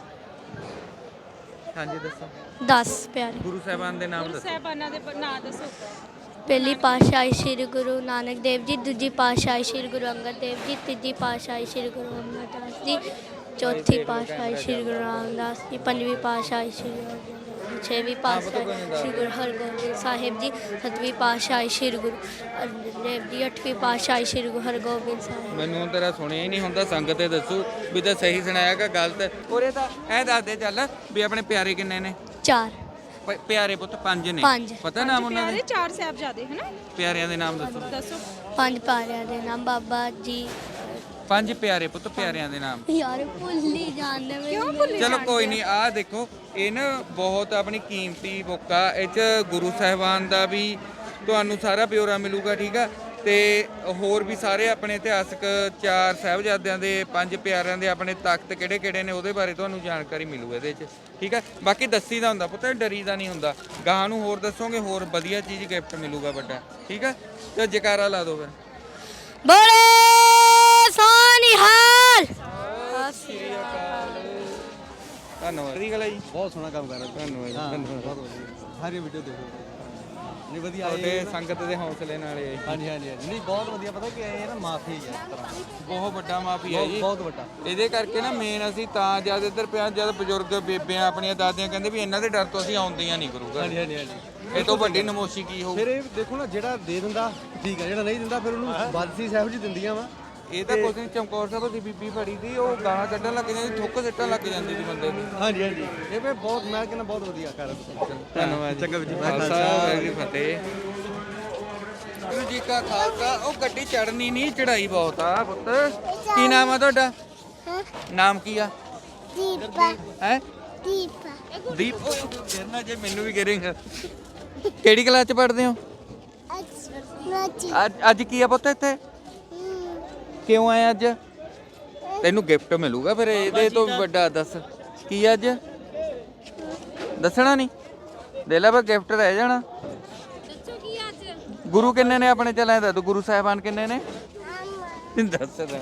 Speaker 2: ਹਾਂਜੀ ਦੱਸੋ
Speaker 5: ਦਸ ਪਿਆਰੇ।
Speaker 2: ਗੁਰੂ ਸਾਹਿਬਾਨ ਦੇ ਨਾਮ
Speaker 9: ਗੁਰੂ
Speaker 2: ਦੱਸੋ।
Speaker 9: ਸਾਹਿਬਾਨਾਂ ਦੇ ਬ- ਨਾਂ ਦੱਸੋ।
Speaker 5: ਪਹਿਲੀ ਪਾਤਸ਼ਾਹੀ ਸ੍ਰੀ ਗੁਰੂ ਨਾਨਕ ਦੇਵ ਜੀ, ਦੂਜੀ ਪਾਤਸ਼ਾਹੀ ਸ੍ਰੀ ਗੁਰੂ ਅੰਗਦ ਦੇਵ ਜੀ, ਤੀਜੀ ਪਾਤਸ਼ਾਹੀ ਸ੍ਰੀ ਗੁਰੂ ਅਮਰਦਾਸ ਜੀ, ਚੌਥੀ ਪਾਤਸ਼ਾਹੀ ਸ੍ਰੀ ਗੁਰੂ ਰਾਮਦਾਸ ਜੀ, ਪੰਜਵੀਂ ਪਾਤਸ਼ਾਹੀ ਸ੍ਰੀ ਗੁਰੂ ਅਰਜਨ ਦੇਵ ਜੀ, ਛੇਵੀਂ ਪਾਤਸ਼ਾਹੀ ਸ੍ਰੀ ਗੁਰੂ ਹਰਗੋਬਿੰਦ ਸਾਹਿਬ ਜੀ, ਸੱਤਵੀਂ ਪਾਤਸ਼ਾਹੀ ਸ੍ਰੀ ਗੁਰੂ ਅਰਜਨ ਦੇਵ ਜੀ, ਅੱਠਵੀਂ ਪਾਤਸ਼ਾਹੀ ਸ੍ਰੀ ਗੁਰੂ ਹਰਗੋਬਿੰਦ ਸਾਹਿਬ।
Speaker 2: ਮੈਨੂੰ ਤੇਰਾ ਸੁਣਿਆ ਹੀ ਨਹੀਂ ਹੁੰਦਾ, ਸੰਗਤ ਤੇ ਦੱਸੂ ਵੀ ਤਾਂ ਸਹੀ ਸੁਣਾਇਆ ਕਿ ਗਲਤ। ਉਰੇ ਤਾਂ ਐ ਦੱਸ ਦੇ ਚੱਲ ਵੀ ਆਪਣੇ ਪਿਆਰੇ ਕਿੰਨੇ ਨੇ?
Speaker 5: ਚਾਰ।
Speaker 2: ਪ- ਪਿਆਰੇ ਪੁੱਤ ਪੰਜ ਨੇ।
Speaker 5: ਪੰਜ।
Speaker 2: ਪਤਾ ਨਾਮ ਉਹਨਾਂ
Speaker 9: ਪਿਆਰੇ
Speaker 2: ਦੇ?
Speaker 9: ਚਾਰ ਸਾਹਿਬਜ਼ਾਦੇ ਹੈ ਨਾ?
Speaker 2: ਪਿਆਰਿਆਂ ਦੇ ਨਾਮ ਦੱਸੋ।
Speaker 9: ਦੱਸੋ।
Speaker 5: ਪੰਜ ਪਿਆਰਿਆਂ ਦੇ ਨਾਮ ਬਾਬਾ ਜੀ।
Speaker 2: ਪੰਜ ਪਿਆਰੇ ਪੁੱਤ, ਪਿਆਰਿਆਂ ਦੇ ਨਾਮ।
Speaker 5: ਯਾਰ ਭੁੱਲ ਹੀ ਜਾਂਦੇ ਮੈਂ।
Speaker 9: ਕਿਉਂ ਭੁੱਲੇ
Speaker 2: ਚਲੋ
Speaker 9: ਜਾਂਦੇ
Speaker 2: ਕੋਈ
Speaker 9: ਆ?
Speaker 2: ਨਹੀਂ, ਆਹ ਦੇਖੋ ਇਹ ਨਾ ਬਹੁਤ ਆਪਣੀ ਕੀਮਤੀ ਬੁੱਕ ਆ, ਇਹ 'ਚ ਗੁਰੂ ਸਾਹਿਬਾਨ ਦਾ ਵੀ ਤੁਹਾਨੂੰ ਸਾਰਾ ਬਿਉਰਾ ਮਿਲੂਗਾ, ਠੀਕ ਆ। ਤੇ ਹੋਰ ਵੀ ਸਾਰੇ ਆਪਣੇ ਇਤਿਹਾਸਕ ਚਾਰ ਸਾਹਿਬਜ਼ਾਦਿਆਂ ਦੇ, ਪੰਜ ਪਿਆਰਿਆਂ ਦੇ ਆਪਣੇ ਤਖਤ ਕਿਹੜੇ ਕਿਹੜੇ ਨੇ ਉਹਦੇ ਬਾਰੇ ਤੁਹਾਨੂੰ ਜਾਣਕਾਰੀ ਮਿਲੂ ਇਹਦੇ 'ਚ, ਠੀਕ ਆ। ਬਾਕੀ ਦੱਸੀ ਦਾ ਹੁੰਦਾ ਪੁੱਤ, ਡਰੀਦਾ ਨਹੀਂ ਹੁੰਦਾ। ਗਾਹਾਂ ਨੂੰ ਹੋਰ ਦੱਸੋਗੇ, ਹੋਰ ਵਧੀਆ ਚੀਜ਼ ਗਿਫਟ ਮਿਲੂਗਾ ਵੱਡਾ, ਠੀਕ ਆ। ਤੇ ਜੈਕਾਰਾ ਲਾ ਦਿਓ ਫਿਰ।
Speaker 5: ਬੜੇ ਸੋਨਿਹਾਲ।
Speaker 2: ਧੰਨਵਾਦ। ਦੀ ਗੱਲ ਹੈ ਜੀ,
Speaker 3: ਬਹੁਤ ਸੋਹਣਾ ਕੰਮ ਕਰ ਰਹੇ
Speaker 2: ਧੰਨਵਾਦ ਜੀ, ਧੰਨਵਾਦ।
Speaker 3: ਸਾਰੀ ਵੀਡੀਓ ਦੇਖੋ।
Speaker 10: ਨਹੀਂ ਵਧੀਆ
Speaker 2: ਤੁਹਾਡੇ ਸੰਗਤ ਦੇ ਹੌਸਲੇ ਨਾਲ ਇਹ
Speaker 10: ਹਾਂਜੀ ਹਾਂਜੀ ਹਾਂਜੀ ਨਹੀਂ ਬਹੁਤ ਵਧੀਆ ਪਤਾ ਕਿ ਇਹ ਨਾ ਮਾਫੀ ਹੈ ਇਸ ਤਰ੍ਹਾਂ
Speaker 2: ਬਹੁਤ ਵੱਡਾ ਮਾਫੀ ਹੈ ਜੀ
Speaker 10: ਬਹੁਤ ਵੱਡਾ
Speaker 2: ਇਹਦੇ ਕਰਕੇ ਨਾ ਮੇਨ ਅਸੀਂ ਤਾਂ ਜਦ ਇੱਧਰ ਪਿਆ ਜਦ ਬਜ਼ੁਰਗ ਬੇਬਿਆਂ ਆਪਣੀਆਂ ਦਾਦੀਆਂ ਕਹਿੰਦੇ ਵੀ ਇਹਨਾਂ ਦੇ ਡਰ ਤੋਂ ਅਸੀਂ ਆਉਂਦੀਆਂ ਨਹੀਂ ਗੁਰੂ ਘਰ
Speaker 10: ਹਾਂਜੀ ਹਾਂਜੀ ਹਾਂਜੀ
Speaker 2: ਇਹ ਤੋਂ ਵੱਡੀ ਨਮੋਸ਼ੀ ਕੀ ਹੋਊ
Speaker 10: ਫਿਰ ਇਹ ਦੇਖੋ ਨਾ ਜਿਹੜਾ ਦੇ ਦਿੰਦਾ ਠੀਕ ਹੈ ਜਿਹੜਾ ਨਹੀਂ ਦਿੰਦਾ ਫਿਰ ਉਹਨੂੰ ਬਾਦਸ਼ਾਹ ਸਾਹਿਬ ਜੀ ਦਿੰਦੀਆਂ ਵਾ
Speaker 2: ਇਹ ਤਾਂ ਕੁਝ ਨਹੀਂ ਚਮਕੌਰ ਸਾਹਿਬ ਦੀ ਬੀਬੀ ਫੜੀ ਦੀ ਉਹ ਗਾਲਾਂ ਕੱਢਣ ਲੱਗ ਜਾਂਦੀ ਥੁੱਕ ਸਿੱਟਣ ਲੱਗ ਜਾਂਦੀ ਸੀ ਬੰਦੇ ਨੂੰ
Speaker 10: ਹਾਂਜੀ ਹਾਂਜੀ ਇਹ ਵੀ ਬਹੁਤ ਮੈਂ ਕਹਿੰਦਾ ਬਹੁਤ ਵਧੀਆ ਕਰ
Speaker 2: ਧੰਨਵਾਦ
Speaker 10: ਚੰਗਾ ਜੀ
Speaker 2: ਖਾਲਸਾ ਵਾਹਿਗੁਰੂ ਜੀ ਫਤਿਹ ਗੁਰੂ ਜੀ ਕਾ ਖਾਲਸਾ ਉਹ ਗੱਡੀ ਚੜਨੀ ਨਹੀਂ ਚੜਾਈ ਬਹੁਤ ਆ ਪੁੱਤ ਕੀ ਨਾਮ ਆ ਤੁਹਾਡਾ ਨਾਮ ਕੀ ਆ
Speaker 1: ਦੀਪਾ
Speaker 2: ਹੈ
Speaker 1: ਦੀਪਾ
Speaker 2: ਦੀਪ ਫਿਰ ਨਾ ਜੇ ਮੈਨੂੰ ਵੀ ਕਰੇਗਾ ਕਿਹੜੀ ਕਲਾਸ ਚ ਪੜ੍ਹਦੇ ਹੋ ਅੱਜ ਅੱਜ ਕੀ ਆ ਪੁੱਤ ਇੱਥੇ ਕਿਉਂ ਆਇਆ ਅੱਜ ਤੈਨੂੰ ਗਿਫਟ ਮਿਲੂਗਾ ਫਿਰ ਇਹਦੇ ਤੋਂ ਵੱਡਾ ਦੱਸ ਕੀ ਅੱਜ ਦੱਸਣਾ ਨਹੀਂ ਦੇ ਲੈ ਬਸ ਗਿਫਟ ਰਹਿ ਜਾਣਾ
Speaker 5: ਦੱਸੋ ਕੀ ਅੱਜ
Speaker 2: ਗੁਰੂ ਕਿੰਨੇ ਨੇ ਆਪਣੇ ਚਲਾਏ ਦਾ ਗੁਰੂ ਸਾਹਿਬਾਨ ਕਿੰਨੇ ਨੇ ਦੱਸ ਦੇ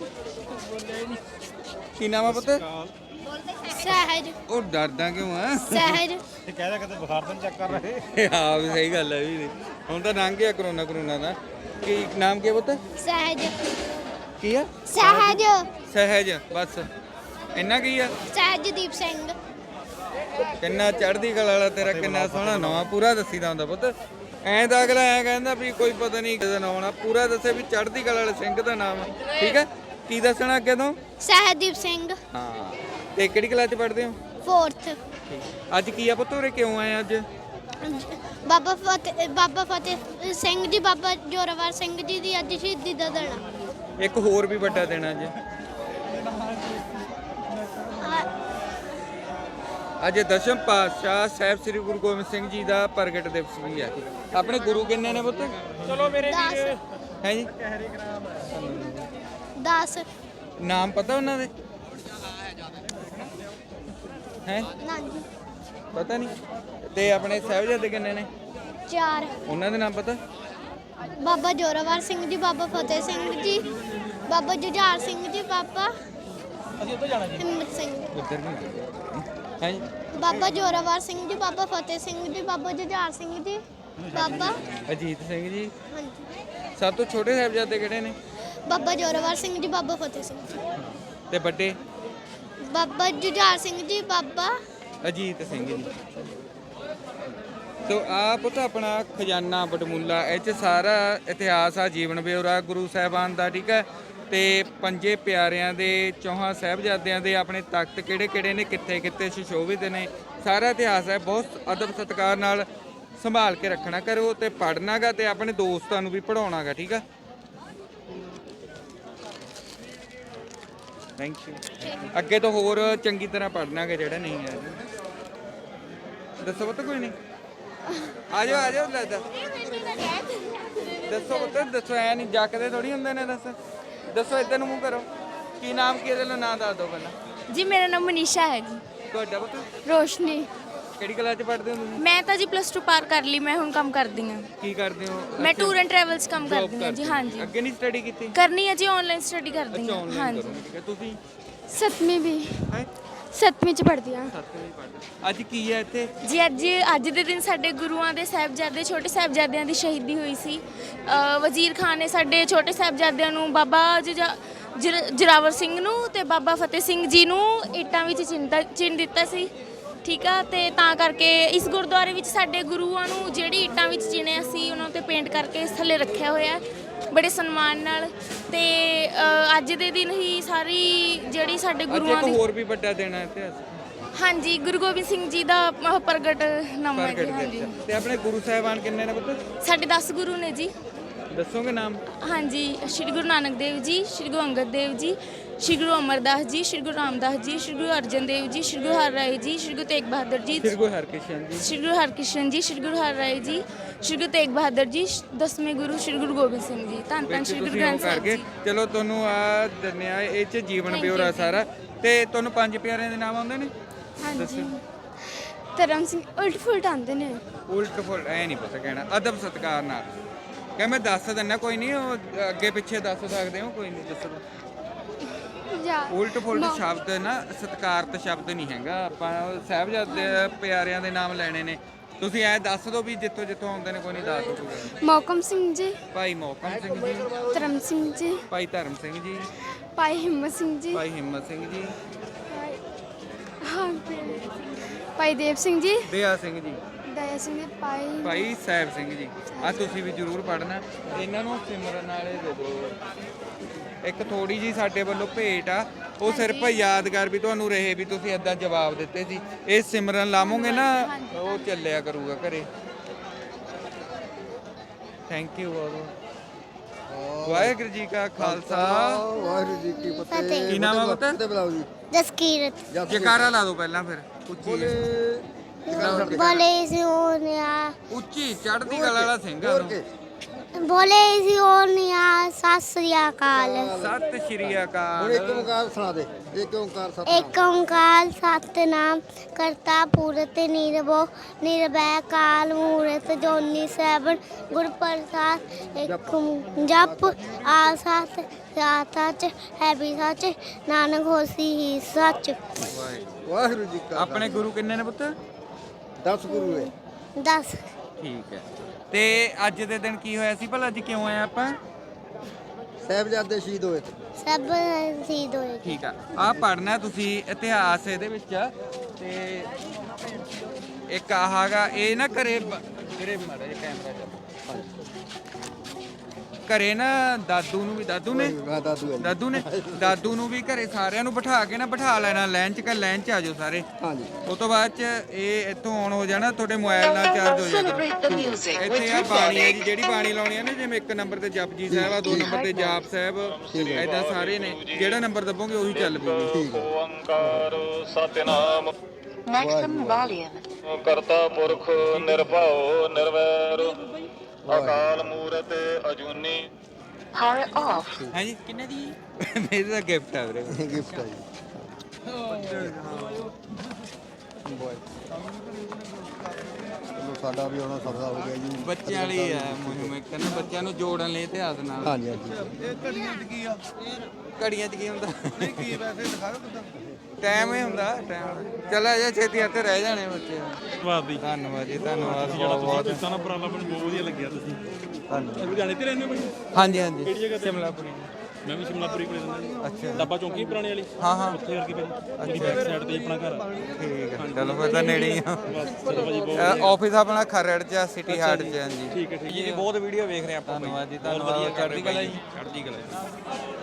Speaker 2: ਕੀ ਨਾਮ ਆ ਪੁੱਤ
Speaker 5: ਸਹਿਜ
Speaker 2: ਉਹ ਡਰਦਾ ਕਿਉਂ ਆ
Speaker 5: ਸਹਿਜ
Speaker 8: ਇਹ ਕਹਿਦਾ ਕਦੇ ਬੁਖਾਰ ਤਾਂ ਚੈੱਕ ਕਰ ਰਹੇ
Speaker 2: ਹਾਂ ਵੀ ਸਹੀ ਗੱਲ ਹੈ ਵੀ ਹੁਣ ਤਾਂ ਲੰਘ ਗਿਆ ਕਰੋਨਾ ਕਰੋਨਾ ਦਾ ਕੀ ਨਾਮ ਕੀ ਆ ਪੁੱਤ
Speaker 5: ਸਹਿਜ
Speaker 2: ਕੀ ਆ
Speaker 5: ਸਹਿਜ
Speaker 2: ਸਹਿਜ ਬਸ ਇੰਨਾ ਕੀ ਆ
Speaker 5: ਸਹਿਜਦੀਪ ਸਿੰਘ
Speaker 2: ਕਿੰਨਾ ਚੜ੍ਹਦੀ ਕਲਾ ਵਾਲਾ ਤੇਰਾ ਕਿੰਨਾ ਸੋਹਣਾ ਨਾਂ ਪੂਰਾ ਦੱਸੀਦਾ ਹੁੰਦਾ ਪੁੱਤ ਐਂ ਤਾਂ ਅਗਲਾ ਐਂ ਕਹਿੰਦਾ ਵੀ ਕੋਈ ਪਤਾ ਨਹੀਂ ਕਿਹਦਾ ਨਾਂ ਆਉਣਾ ਪੂਰਾ ਦੱਸੇ ਵੀ ਚੜ੍ਹਦੀ ਕਲਾ ਵਾਲੇ ਸਿੰਘ ਦਾ ਨਾਮ ਠੀਕ ਹੈ ਕੀ ਦੱਸਣਾ ਅੱਗੇ ਤੋਂ
Speaker 5: ਸਹਿਜਦੀਪ ਸਿੰਘ
Speaker 2: ਹਾਂ ਤੇ ਕਿਹੜੀ ਕਲਾਸ ਚ ਪੜ੍ਹਦੇ ਹੋ
Speaker 5: ਫੋਰਥ
Speaker 2: ਅੱਜ ਕੀ ਆ ਪੁੱਤ ਉਰੇ ਕਿਉਂ ਆਏ ਅੱਜ
Speaker 5: ਬਾਬਾ ਫਤਿਹ ਬਾਬਾ ਫਤਿਹ ਸਿੰਘ ਜੀ ਬਾਬਾ ਜੋਰਾਵਰ ਸਿੰਘ ਜੀ ਦੀ ਅੱਜ ਸ਼ਹੀਦੀ ਦਾ ਦਿਨ ਆ।
Speaker 2: ਇੱਕ ਹੋਰ ਵੀ ਵੱਡਾ ਦਿਨ ਅੱਜ ਅੱਜ ਦਸ਼ਮ ਪਾਤਸ਼ਾਹ ਸਾਹਿਬ ਸ੍ਰੀ ਗੁਰੂ ਗੋਬਿੰਦ ਸਿੰਘ ਜੀ ਦਾ ਪ੍ਰਗਟ ਦਿਵਸ ਵੀ ਹੈ ਆਪਣੇ ਗੁਰੂ ਕਿੰਨੇ ਨੇ ਪੁੱਤ
Speaker 4: ਚਲੋ ਮੇਰੇ
Speaker 5: ਦਸ
Speaker 2: ਹੈ ਜੀ
Speaker 5: ਦਸ
Speaker 2: ਨਾਮ ਪਤਾ ਉਹਨਾਂ ਦੇ ਹੈ
Speaker 5: ਨਾਂਜੀ
Speaker 2: ਪਤਾ ਨਹੀਂ ਤੇ ਆਪਣੇ ਸਾਹਿਬਜ਼ਾਦੇ ਕਿੰਨੇ ਨੇ
Speaker 5: ਚਾਰ
Speaker 2: ਉਹਨਾਂ ਦੇ ਨਾਮ ਪਤਾ
Speaker 5: ਬਾਬਾ ਜੋਰਾਵਰ ਸਿੰਘ ਜੀ ਬਾਬਾ ਫਤਿਹ ਸਿੰਘ ਜੀ ਬਾਬਾ ਜੁਝਾਰ ਸਿੰਘ ਜੀ ਬਾਬਾ
Speaker 8: ਅਸੀਂ ਉੱਧਰ ਜਾਣਾ ਜੀ
Speaker 5: ਹਿੰਮਤ ਸਿੰਘ
Speaker 2: ਉੱਧਰ ਨਹੀਂ ਹੈ ਜੀ
Speaker 5: ਬਾਬਾ ਜੋਰਾਵਰ ਸਿੰਘ ਜੀ ਬਾਬਾ ਫਤਿਹ ਸਿੰਘ ਜੀ ਬਾਬਾ ਜੁਝਾਰ ਸਿੰਘ ਜੀ ਬਾਬਾ
Speaker 2: ਅਜੀਤ ਸਿੰਘ ਜੀ
Speaker 5: ਹਾਂਜੀ
Speaker 2: ਸਭ ਤੋਂ ਛੋਟੇ ਸਾਹਿਬਜ਼ਾਦੇ ਕਿਹੜੇ ਨੇ
Speaker 5: ਬਾਬਾ ਜੋਰਾਵਰ ਸਿੰਘ ਜੀ ਬਾਬਾ ਫਤਿਹ ਸਿੰਘ ਜੀ
Speaker 2: ਤੇ ਵੱਡੇ
Speaker 5: ਬਾਬਾ ਜੁਝਾਰ ਸਿੰਘ ਜੀ ਬਾਬਾ
Speaker 2: ਅਜੀਤ ਸਿੰਘ ਜੀ ਤੋ ਆਪ ਤਾਂ ਆਪਣਾ ਖਜ਼ਾਨਾ ਬਟਮੁੱਲਾ ਇਹ 'ਚ ਸਾਰਾ ਇਤਿਹਾਸ ਆ ਜੀਵਨ ਬਿਉਰਾ ਗੁਰੂ ਸਾਹਿਬਾਨ ਦਾ ਠੀਕ ਹੈ ਤੇ ਪੰਜੇ ਪਿਆਰਿਆਂ ਦੇ ਚੌਹਾਂ ਸਾਹਿਬਜ਼ਾਦਿਆਂ ਦੇ ਆਪਣੇ ਤਖਤ ਕਿਹੜੇ ਕਿਹੜੇ ਨੇ ਕਿੱਥੇ ਕਿੱਥੇ ਸੁਸ਼ੋਭਿਤ ਨੇ ਸਾਰਾ ਇਤਿਹਾਸ ਹੈ ਬਹੁਤ ਅਦਬ ਸਤਿਕਾਰ ਨਾਲ ਸੰਭਾਲ ਕੇ ਰੱਖਣਾ ਕਰੋ ਤੇ ਪੜ੍ਹਨਾਗਾ ਤੇ ਆਪਣੇ ਦੋਸਤਾਂ ਨੂੰ ਵੀ ਪੜ੍ਹਾਉਣਾਗਾ ਠੀਕ ਆ ਥੈਂਕ ਯੂ ਅੱਗੇ ਤੋਂ ਹੋਰ ਚੰਗੀ ਤਰ੍ਹਾਂ ਪੜ੍ਹਨਾਗਾ ਜਿਹੜਾ ਨਹੀਂ ਹੈ ਦੱਸੋ ਪਤਾ ਕੋਈ ਨਹੀਂ ਆ ਜਾਓ ਆ ਜਾਓ ਲੈ ਦੱਸ ਦੱਸੋ ਪਤਾ ਦੱਸੋ ਐ ਨਹੀਂ ਜੱਕਦੇ ਥੋੜੀ ਹੁੰਦੇ ਨੇ ਦੱਸ ਦੱਸੋ ਇੱਧਰ ਨੂੰ ਮੂੰਹ ਕਰੋ ਕੀ ਨਾਮ ਕੀ ਇਹਦੇ ਨਾਲ ਨਾਂ ਦੱਸ ਦਿਓ ਪਹਿਲਾਂ
Speaker 5: ਜੀ ਮੇਰਾ ਨਾਮ ਮਨੀਸ਼ਾ ਹੈ ਜੀ
Speaker 2: ਤੁਹਾਡਾ ਪਤਾ
Speaker 5: ਰੋਸ਼ਨੀ
Speaker 2: ਕਿਹੜੀ ਕਲਾਸ ਚ ਪੜ੍ਹਦੇ ਹੋ ਤੁਸੀਂ
Speaker 5: ਮੈਂ ਤਾਂ ਜੀ ਪਲੱਸ ਟੂ ਪਾਰ ਕਰ ਲਈ ਮੈਂ ਹੁਣ ਕੰਮ ਕਰਦੀ ਹਾਂ
Speaker 2: ਕੀ ਕਰਦੇ ਹੋ
Speaker 5: ਮੈਂ ਟੂਰ ਐਂਡ ਟਰੈਵਲਸ ਕੰਮ
Speaker 2: Job
Speaker 5: ਕਰਦੀ ਹਾਂ ਜੀ
Speaker 2: ਕਰਦੇ ਹੋ।
Speaker 5: ਹਾਂਜੀ
Speaker 2: ਅੱਗੇ ਨਹੀਂ ਸਟੱਡੀ ਕੀਤੀ
Speaker 5: ਕਰਨੀ ਹੈ ਜੀ ਆਨਲਾਈਨ ਸਟੱਡੀ ਕਰਦੀ
Speaker 2: ਅੱਛਾ
Speaker 5: ਹਾਂ
Speaker 2: ਆਨਲਾਈਨ
Speaker 5: ਹਾਂਜੀ
Speaker 2: ਕਰੋ ਠੀਕ ਹੈ ਤੁਸੀਂ
Speaker 5: ਸੱਤਵੀਂ ਵੀ
Speaker 2: ਹੈ
Speaker 5: ਸੱਤਵੀਂ ਚ ਪੜ੍ਹਦੀ ਹਾਂ
Speaker 2: ਸੱਤਵੀਂ ਪੜ੍ਹਦੇ ਅੱਜ ਕੀ ਹੈ ਇੱਥੇ
Speaker 5: ਜੀ ਅੱਜ ਅੱਜ ਦੇ ਦਿਨ ਸਾਡੇ ਗੁਰੂਆਂ ਦੇ ਸਾਹਿਬਜ਼ਾਦੇ ਛੋਟੇ ਸਾਹਿਬਜ਼ਾਦਿਆਂ ਦੀ ਸ਼ਹੀਦੀ ਹੋਈ ਸੀ ਅ, ਵਜ਼ੀਰ ਖਾਨ ਨੇ ਸਾਡੇ ਛੋਟੇ ਸਾਹਿਬਜ਼ਾਦਿਆਂ ਨੂੰ ਬਾਬਾ ਜੁਝਾ- ਜਰ- ਜੋਰਾਵਰ ਸਿੰਘ ਨੂੰ ਤੇ ਬਾਬਾ ਫਤਿਹ ਸਿੰਘ ਜੀ ਨੂੰ ਇੱਟਾਂ ਵਿੱਚ ਚਿੰਤਾ ਚਿਣ ਦਿੱਤਾ ਸੀ ਠੀਕ ਆ ਤੇ ਤਾਂ ਕਰਕੇ ਇਸ ਗੁਰਦੁਆਰੇ ਵਿੱਚ ਸਾਡੇ ਗੁਰੂਆਂ ਨੂੰ ਜਿਹੜੀ ਇੱਟਾਂ ਵਿੱਚ ਚਿਣਿਆ ਸੀ ਉਹਨਾਂ ਤੇ ਪੇਂਟ ਕਰਕੇ ਇਸ ਥੱਲੇ ਰੱਖਿਆ ਹੋਇਆ ਹੈ ਬੜੇ ਸਨਮਾਨ ਨਾਲ ਤੇ ਅ, ਅੱਜ ਦੇ ਦਿਨ ਹੀ ਸਾਰੀ ਜਿਹੜੀ ਸਾਡੇ
Speaker 2: ਅੱਜ
Speaker 5: ਗੁਰੂਆਂ
Speaker 2: ਇੱਕ
Speaker 5: ਦੀ
Speaker 2: ਹੋਰ ਵੀ ਵੱਡਾ ਦਿਨ ਹੈ ਇਤਿਹਾਸ
Speaker 5: ਹਾਂਜੀ ਗੁਰੂ ਗੋਬਿੰਦ ਸਿੰਘ ਜੀ ਦਾ ਅਹ, ਪ੍ਰਗਟ ਨਾਮ ਹੈ ਜੀ
Speaker 2: ਪ੍ਰਗਟ
Speaker 5: ਹਾਂਜੀ
Speaker 2: ਦਿਵਸ ਤੇ ਆਪਣੇ ਗੁਰੂ ਸਾਹਿਬਾਨ ਕਿੰਨੇ ਨੇ ਪੁੱਤ
Speaker 5: ਸਾਡੇ ਦਸ ਗੁਰੂ ਨੇ ਜੀ
Speaker 2: ਦੱਸੋਗੇ ਨਾਮ
Speaker 5: ਹਾਂਜੀ ਸ਼੍ਰੀ ਗੁਰੂ ਨਾਨਕ ਦੇਵ ਜੀ ਸ਼੍ਰੀ ਗੁਰੂ ਅੰਗਦ ਦੇਵ ਜੀ ਸ਼੍ਰੀ ਗੁਰੂ ਅਮਰਦਾਸ ਜੀ ਸ਼੍ਰੀ ਗੁਰੂ ਰਾਮਦਾਸ ਜੀ ਸ਼੍ਰੀ ਗੁਰੂ ਅਰਜਨ ਦੇਵ ਜੀ ਸ਼੍ਰੀ ਗੁਰੂ ਹਰਿਰਾਏ ਜੀ ਸ਼੍ਰੀ ਗੁਰੂ ਤੇਗ ਬਹਾਦਰ ਜੀ
Speaker 2: ਸ੍ਰੀ ਗੁਰੂ ਹਰਕ੍ਰਿਸ਼ਨ ਜੀ
Speaker 5: ਸ਼੍ਰੀ ਗੁਰੂ ਹਰਕ੍ਰਿਸ਼ਨ ਜੀ ਸ਼੍ਰੀ ਗੁਰੂ ਹਰਿਰਾਏ ਜੀ ਸ਼੍ਰੀ ਗੁਰੂ ਤੇਗ ਬਹਾਦਰ ਜੀ ਦਸਵੇਂ ਗੁਰੂ ਸ਼੍ਰੀ ਗੁਰੂ ਗੋਬਿੰਦ ਸਿੰਘ ਜੀ ਧੰਨ ਧੰਨ
Speaker 2: ਵਿੱਚ
Speaker 5: ਸ਼੍ਰੀ ਗੁਰੂ
Speaker 2: ਤੁਸੀਂ ਉਹ
Speaker 5: ਗ੍ਰੰਥ ਸਾਹਿਬ
Speaker 2: ਕਰਕੇ
Speaker 5: ਜੀ
Speaker 2: ਚਲੋ ਤੁਹਾਨੂੰ ਆ ਦੰਨਿਆ ਇਹ ਚ ਜੀਵਨ
Speaker 5: Thank
Speaker 2: ਬਿਉਰਾ
Speaker 5: you,
Speaker 2: ਸਾਰਾ ਤੇ ਤੁਹਾਨੂੰ ਪੰਜ ਪਿਆਰਿਆਂ ਦੇ ਨਾਮ ਆਉਂਦੇ ਨੇ
Speaker 5: ਹਾਂਜੀ ਧਰਮ ਸਿੰਘ ਉਲਟ ਫੁਲਟ ਆਉਂਦੇ ਨੇ
Speaker 2: ਉਲਟ ਫੁਲਟ ਐ ਨਹੀਂ ਪਤਾ ਕਹਿਣਾ ਅਦਬ ਸਤਕਾਰ ਨਾਲ ਕਹ ਮੈਂ ਦੱਸ ਦਿੰਦਾ ਕੋਈ ਨਹੀਂ ਉਹ ਅੱਗੇ ਪਿੱਛੇ ਦੱਸ ਸਕਦੇ ਹੋ ਕੋਈ ਨਹੀਂ ਦੱਸੋ ਉਲਟ ਫੁਲਟ ਸ਼ਬਦ ਨਾ ਸਤਕਾਰਤ ਸ਼ਬਦ ਨਹੀਂ ਹੈਗਾ ਆਪਾਂ ਸਾਹਿਬਜ਼ਾਦੇ ਪਿਆਰਿਆਂ ਦੇ ਨਾਮ ਲੈਣੇ ਨੇ ਤੁਸੀਂ ਐ ਦੱਸ ਦਿਓ ਵੀ ਜਿੱਥੋਂ ਜਿੱਥੋਂ ਆਉਂਦੇ ਨੇ, ਕੋਈ ਨਹੀਂ ਦੱਸ ਦਿਓ।
Speaker 5: ਮੌਕਮ ਸਿੰਘ ਜੀ,
Speaker 2: ਭਾਈ ਮੋਹਕਮ ਸਿੰਘ ਜੀ,
Speaker 5: ਧਰਮ ਸਿੰਘ ਜੀ,
Speaker 2: ਭਾਈ ਧਰਮ ਸਿੰਘ ਜੀ,
Speaker 5: ਭਾਈ ਹਿੰਮਤ ਸਿੰਘ ਜੀ,
Speaker 2: ਭਾਈ ਹਿੰਮਤ ਸਿੰਘ ਜੀ,
Speaker 5: ਹਾਂ ਭਾਈ ਦੇਵ ਸਿੰਘ ਜੀ,
Speaker 2: ਦਇਆ ਸਿੰਘ ਜੀ,
Speaker 5: ਦਇਆ ਸਿੰਘ ਜੀ, ਭਾਈ
Speaker 2: ਭਾਈ ਸਾਹਿਬ ਸਿੰਘ ਜੀ। ਆ ਤੁਸੀਂ ਵੀ ਜ਼ਰੂਰ ਪੜ੍ਹਨਾ। ਇਹਨਾਂ ਨੂੰ ਸਿਮਰਨ ਵਾਲੇ ਦੇ ਦਿਓ। ਇੱਕ ਥੋੜੀ ਜੀ ਸਾਡੇ ਵੱਲੋਂ ਭੇਟ ਆ, ਉਹ ਸਿਰਫ ਯਾਦਗਾਰ ਵੀ ਤੁਹਾਨੂੰ ਰਹੇ ਵੀ ਤੁਸੀਂ ਏਦਾਂ ਜਵਾਬ ਦਿੱਤੇ ਸੀ। ਇਹ ਸਿਮਰਨ ਲਾਵੋਗੇ ਨਾ, ਉਹ ਚੱਲਿਆ ਕਰੂਗਾ ਘਰੇ। ਥੈਂਕ ਯੂ ਬਹੁਤ ਬਹੁਤ। ਵਾਹਿਗੁਰੂ ਜੀ ਕਾ ਖਾਲਸਾ,
Speaker 10: ਵਾਹਿਗੁਰੂ ਜੀ ਕੀ ਫਤਿਹ।
Speaker 2: ਕੀ ਨਾਮ ਆ ਪੁੱਤ?
Speaker 10: ਤੇ ਬੁਲਾਓ ਜੀ।
Speaker 5: ਜਸਕੀਰਤ।
Speaker 2: ਜਕਾਰਾ ਲਾ ਦਿਓ ਪਹਿਲਾਂ, ਫਿਰ ਉੱਚੀ
Speaker 5: ਬੋਲੇ ਸਿਓਨਿਆ,
Speaker 2: ਉੱਚੀ ਚੜ੍ਹਦੀ ਕਲਾ ਵਾਲਾ ਸਿੰਘ ਆ ਨੂੰ।
Speaker 5: ਬੋਲੇ ਸਿਓਨਿਆ, ਸਤਿ ਸ੍ਰੀ ਅਕਾਲ।
Speaker 2: ਸਤਿ ਸ਼੍ਰੀ
Speaker 10: ਹੁਣ
Speaker 2: ਅਕਾਲ।
Speaker 10: ਇੱਕ ਓੰਕਾਰ ਸੁਣਾ ਦੇ। ਇੱਕ ਓੰਕਾਰ ਸਤਿ
Speaker 5: ਏਕ ਓੰਕਾਰ ਸਤਿਨਾਮ ਕਰਤਾ ਪੁਰਖ ਨਿਰਭਉ ਨਿਰਵੈਰ ਕਾਲ ਮੂਰਤ ਜੋਨੀ ਸੈਭੰ ਗੁਰ ਪ੍ਰਸਾਦ। ਇੱਕ ਜਪ ਆ ਸਤ ਸੱਚ ਹੈ ਵੀ ਸੱਚ ਨਾਨਕ ਹੋਸੀ ਹੀ ਸੱਚ।
Speaker 10: ਵਾਹਿਗੁਰੂ ਜੀ ਕਾ
Speaker 2: ਆਪਣੇ ਗੁਰੂ ਕਿੰਨੇ ਨੇ ਪੁੱਤ?
Speaker 10: ਦਸ ਗੁਰੂ ਹੈ।
Speaker 5: ਦਸ।
Speaker 2: ਠੀਕ ਹੈ। ਤੇ ਅੱਜ ਦੇ ਦਿਨ ਕੀ ਹੋਇਆ ਸੀ ਭਲਾ? ਅੱਜ ਕਿਉਂ ਆਏ ਆਪਾਂ?
Speaker 10: ਸਾਹਿਬਜ਼ਾਦੇ ਸ਼ਹੀਦ ਹੋਏ ਤੇ।
Speaker 5: ਸਭ ਸ਼ਹੀਦ ਹੋਏ।
Speaker 2: ਠੀਕ ਆ। ਆ ਪੜ੍ਹਨਾ ਤੁਸੀਂ ਇਤਿਹਾਸ ਇਹਦੇ ਵਿੱਚ। ਤੇ ਇੱਕ ਆਹਾਗਾ ਇਹ ਨਾ ਘਰੇ ਬ- ਘਰੇ ਮਾੜਾ ਜਿਹਾ ਕੈਮਰਾ ਚੱਲ ਘਰੇ ਨਾ ਦਾਦੂ ਨੂੰ ਵੀ ਦਾਦੂ ਨੇ
Speaker 10: ਮੈਂ ਦਾਦੂ ਹੈ।
Speaker 2: ਦਾਦੂ ਨੇ ਦਾਦੂ ਨੂੰ ਵੀ ਘਰੇ ਸਾਰਿਆਂ ਨੂੰ ਬਿਠਾ ਕੇ ਨਾ ਬਿਠਾ ਲੈਣਾ ਲਾਈਨ 'ਚ। ਕਿ ਲਾਈਨ 'ਚ ਆ ਜਾਓ ਸਾਰੇ।
Speaker 10: ਹਾਂਜੀ।
Speaker 2: ਉਸ ਤੋਂ ਬਾਅਦ 'ਚ ਇਹ ਇੱਥੋਂ ਆਨ ਹੋ ਜਾਣਾ, ਤੁਹਾਡੇ ਮੋਬਾਈਲ ਨਾਲ ਚਾਰਜ ਹੋ ਜਾਣਾ। ਇੱਥੇ ਆ ਬਾਣੀ ਹੈ ਜੀ, ਜਿਹੜੀ ਬਾਣੀ ਲਾਉਣੀ ਹੈ ਨਾ, ਜਿਵੇਂ ਇੱਕ ਨੰਬਰ ਤੇ ਜਪਜੀ ਸਾਹਿਬ ਆ, ਦੋ ਨੰਬਰ ਤੇ ਜਾਪ ਸਾਹਿਬ, ਐਦਾਂ ਸਾਰੇ ਨੇ। ਜਿਹੜਾ ਨੰਬਰ ਦੱਬੋਗੇ ਉਹੀ ਚੱਲ ਪਊਗੀ।
Speaker 10: ਠੀਕ ਹੈ।
Speaker 11: ਓੰਕਾਰ ਸਤਿਨਾਮ ਕਰਤਾ ਪੁਰਖ ਨਿਰਭਉ ਨਿਰਵੈਰ ਅਕਾਲ ਮੂਰਤ ਅਜੂਨੀ।
Speaker 2: ਹੈ ਜੀ ਕਿੰਨੇ ਦੀ? ਮੇਰੇ ਦਾ ਗਿਫਟ ਆ ਵੀਰੇ।
Speaker 10: ਗਿਫਟ ਹੈ ਜੀ। ਚਲੋ ਸਾਡਾ ਵੀ ਹੁਣ ਸਫਲਾ ਹੋ ਗਿਆ ਜੀ।
Speaker 2: ਬੱਚਿਆਂ ਲਈ ਆ ਮੁਹਿੰਮ, ਇੱਕ ਨਾ ਬੱਚਿਆਂ ਨੂੰ ਜੋੜਨ ਲਈ ਇਤਿਹਾਸ ਨਾਲ।
Speaker 10: ਹਾਂਜੀ ਹਾਂਜੀ।
Speaker 2: ਇਹ ਘੜੀਆਂ 'ਚ ਕੀ ਆ? ਘੜੀਆਂ 'ਚ ਕੀ ਹੁੰਦਾ? ਨਹੀਂ ਕੀ ਵੈਸੇ ਦਿਖਾ ਦਿਓ ਕਿਦਾਂ ਟਾਈਮ ਹੀ ਹੁੰਦਾ। ਟਾਈਮ ਚਲਾ ਜਾ ਛੇਤੀ ਇੱਥੇ ਰਹਿ ਜਾਣੇ ਬੱਚੇ।
Speaker 8: ਧੰਨਵਾਦ ਜੀ।
Speaker 2: ਧੰਨਵਾਦ ਜੀ, ਧੰਨਵਾਦ
Speaker 8: ਜਿਹੜਾ
Speaker 2: ਬਹੁਤ
Speaker 8: ਤੁਸੀਂ
Speaker 2: ਬਹੁਤ।
Speaker 8: ਕੀਤਾ ਨਾ ਉਪਰਾਲਾ, ਮੈਨੂੰ ਬਹੁਤ ਵਧੀਆ ਲੱਗਿਆ। ਤੁਸੀਂ
Speaker 2: ਧੰਨਵਾਦ।
Speaker 8: ਲੁਧਿਆਣੇ ਤੇ ਰਹਿੰਦੇ ਹੋ ਬਾਈ?
Speaker 2: ਹਾਂਜੀ ਹਾਂਜੀ।
Speaker 8: ਕਿਹੜੀ ਜਗ੍ਹਾ ਤੇ?
Speaker 2: ਸ਼ਿਮਲਾਪੁਰੀ।
Speaker 8: ਮੈਂ ਵੀ ਸ਼ਿਮਲਾਪੁਰੀ ਕੋਲੇ ਰਹਿੰਦਾ ਜੀ।
Speaker 2: ਅੱਛਾ।
Speaker 8: ਡੱਬਾ ਚੌਂਕੀ ਪੁਰਾਣੀ ਵਾਲੀ।
Speaker 2: ਹਾਂ ਹਾਂ।
Speaker 8: ਉੱਥੇ ਵਰਗੀ ਭਾਜੀ। ਉਹਦੀ ਬੈਕ ਸਾਈਡ ਤੇ ਆਪਣਾ ਘਰ ਆ।
Speaker 2: ਠੀਕ ਹੈ। ਚਲੋ ਫਿਰ ਤਾਂ ਨੇੜੇ ਹੀ ਆ।
Speaker 8: ਬਸ ਚਲੋ ਭਾਜੀ ਬਹੁਤ
Speaker 2: ਆਫਿਸ ਆਪਣਾ ਖਰੜ 'ਚ ਆ, ਸਿਟੀ ਹਾਰਟ 'ਚ। ਹਾਂਜੀ
Speaker 8: ਠੀਕ ਹੈ ਠੀਕ ਹੈ ਜੀ। ਬਹੁਤ ਵੀਡੀਓ ਵੇਖ ਰਹੇ ਆਪਾਂ।
Speaker 2: ਧੰਨਵਾਦ ਜੀ, ਧੰਨਵਾਦ। ਚੜ੍ਹਦੀ ਕਲਾ ਜੀ।
Speaker 8: ਚੜ੍ਹਦੀ ਕਲਾ ਜੀ।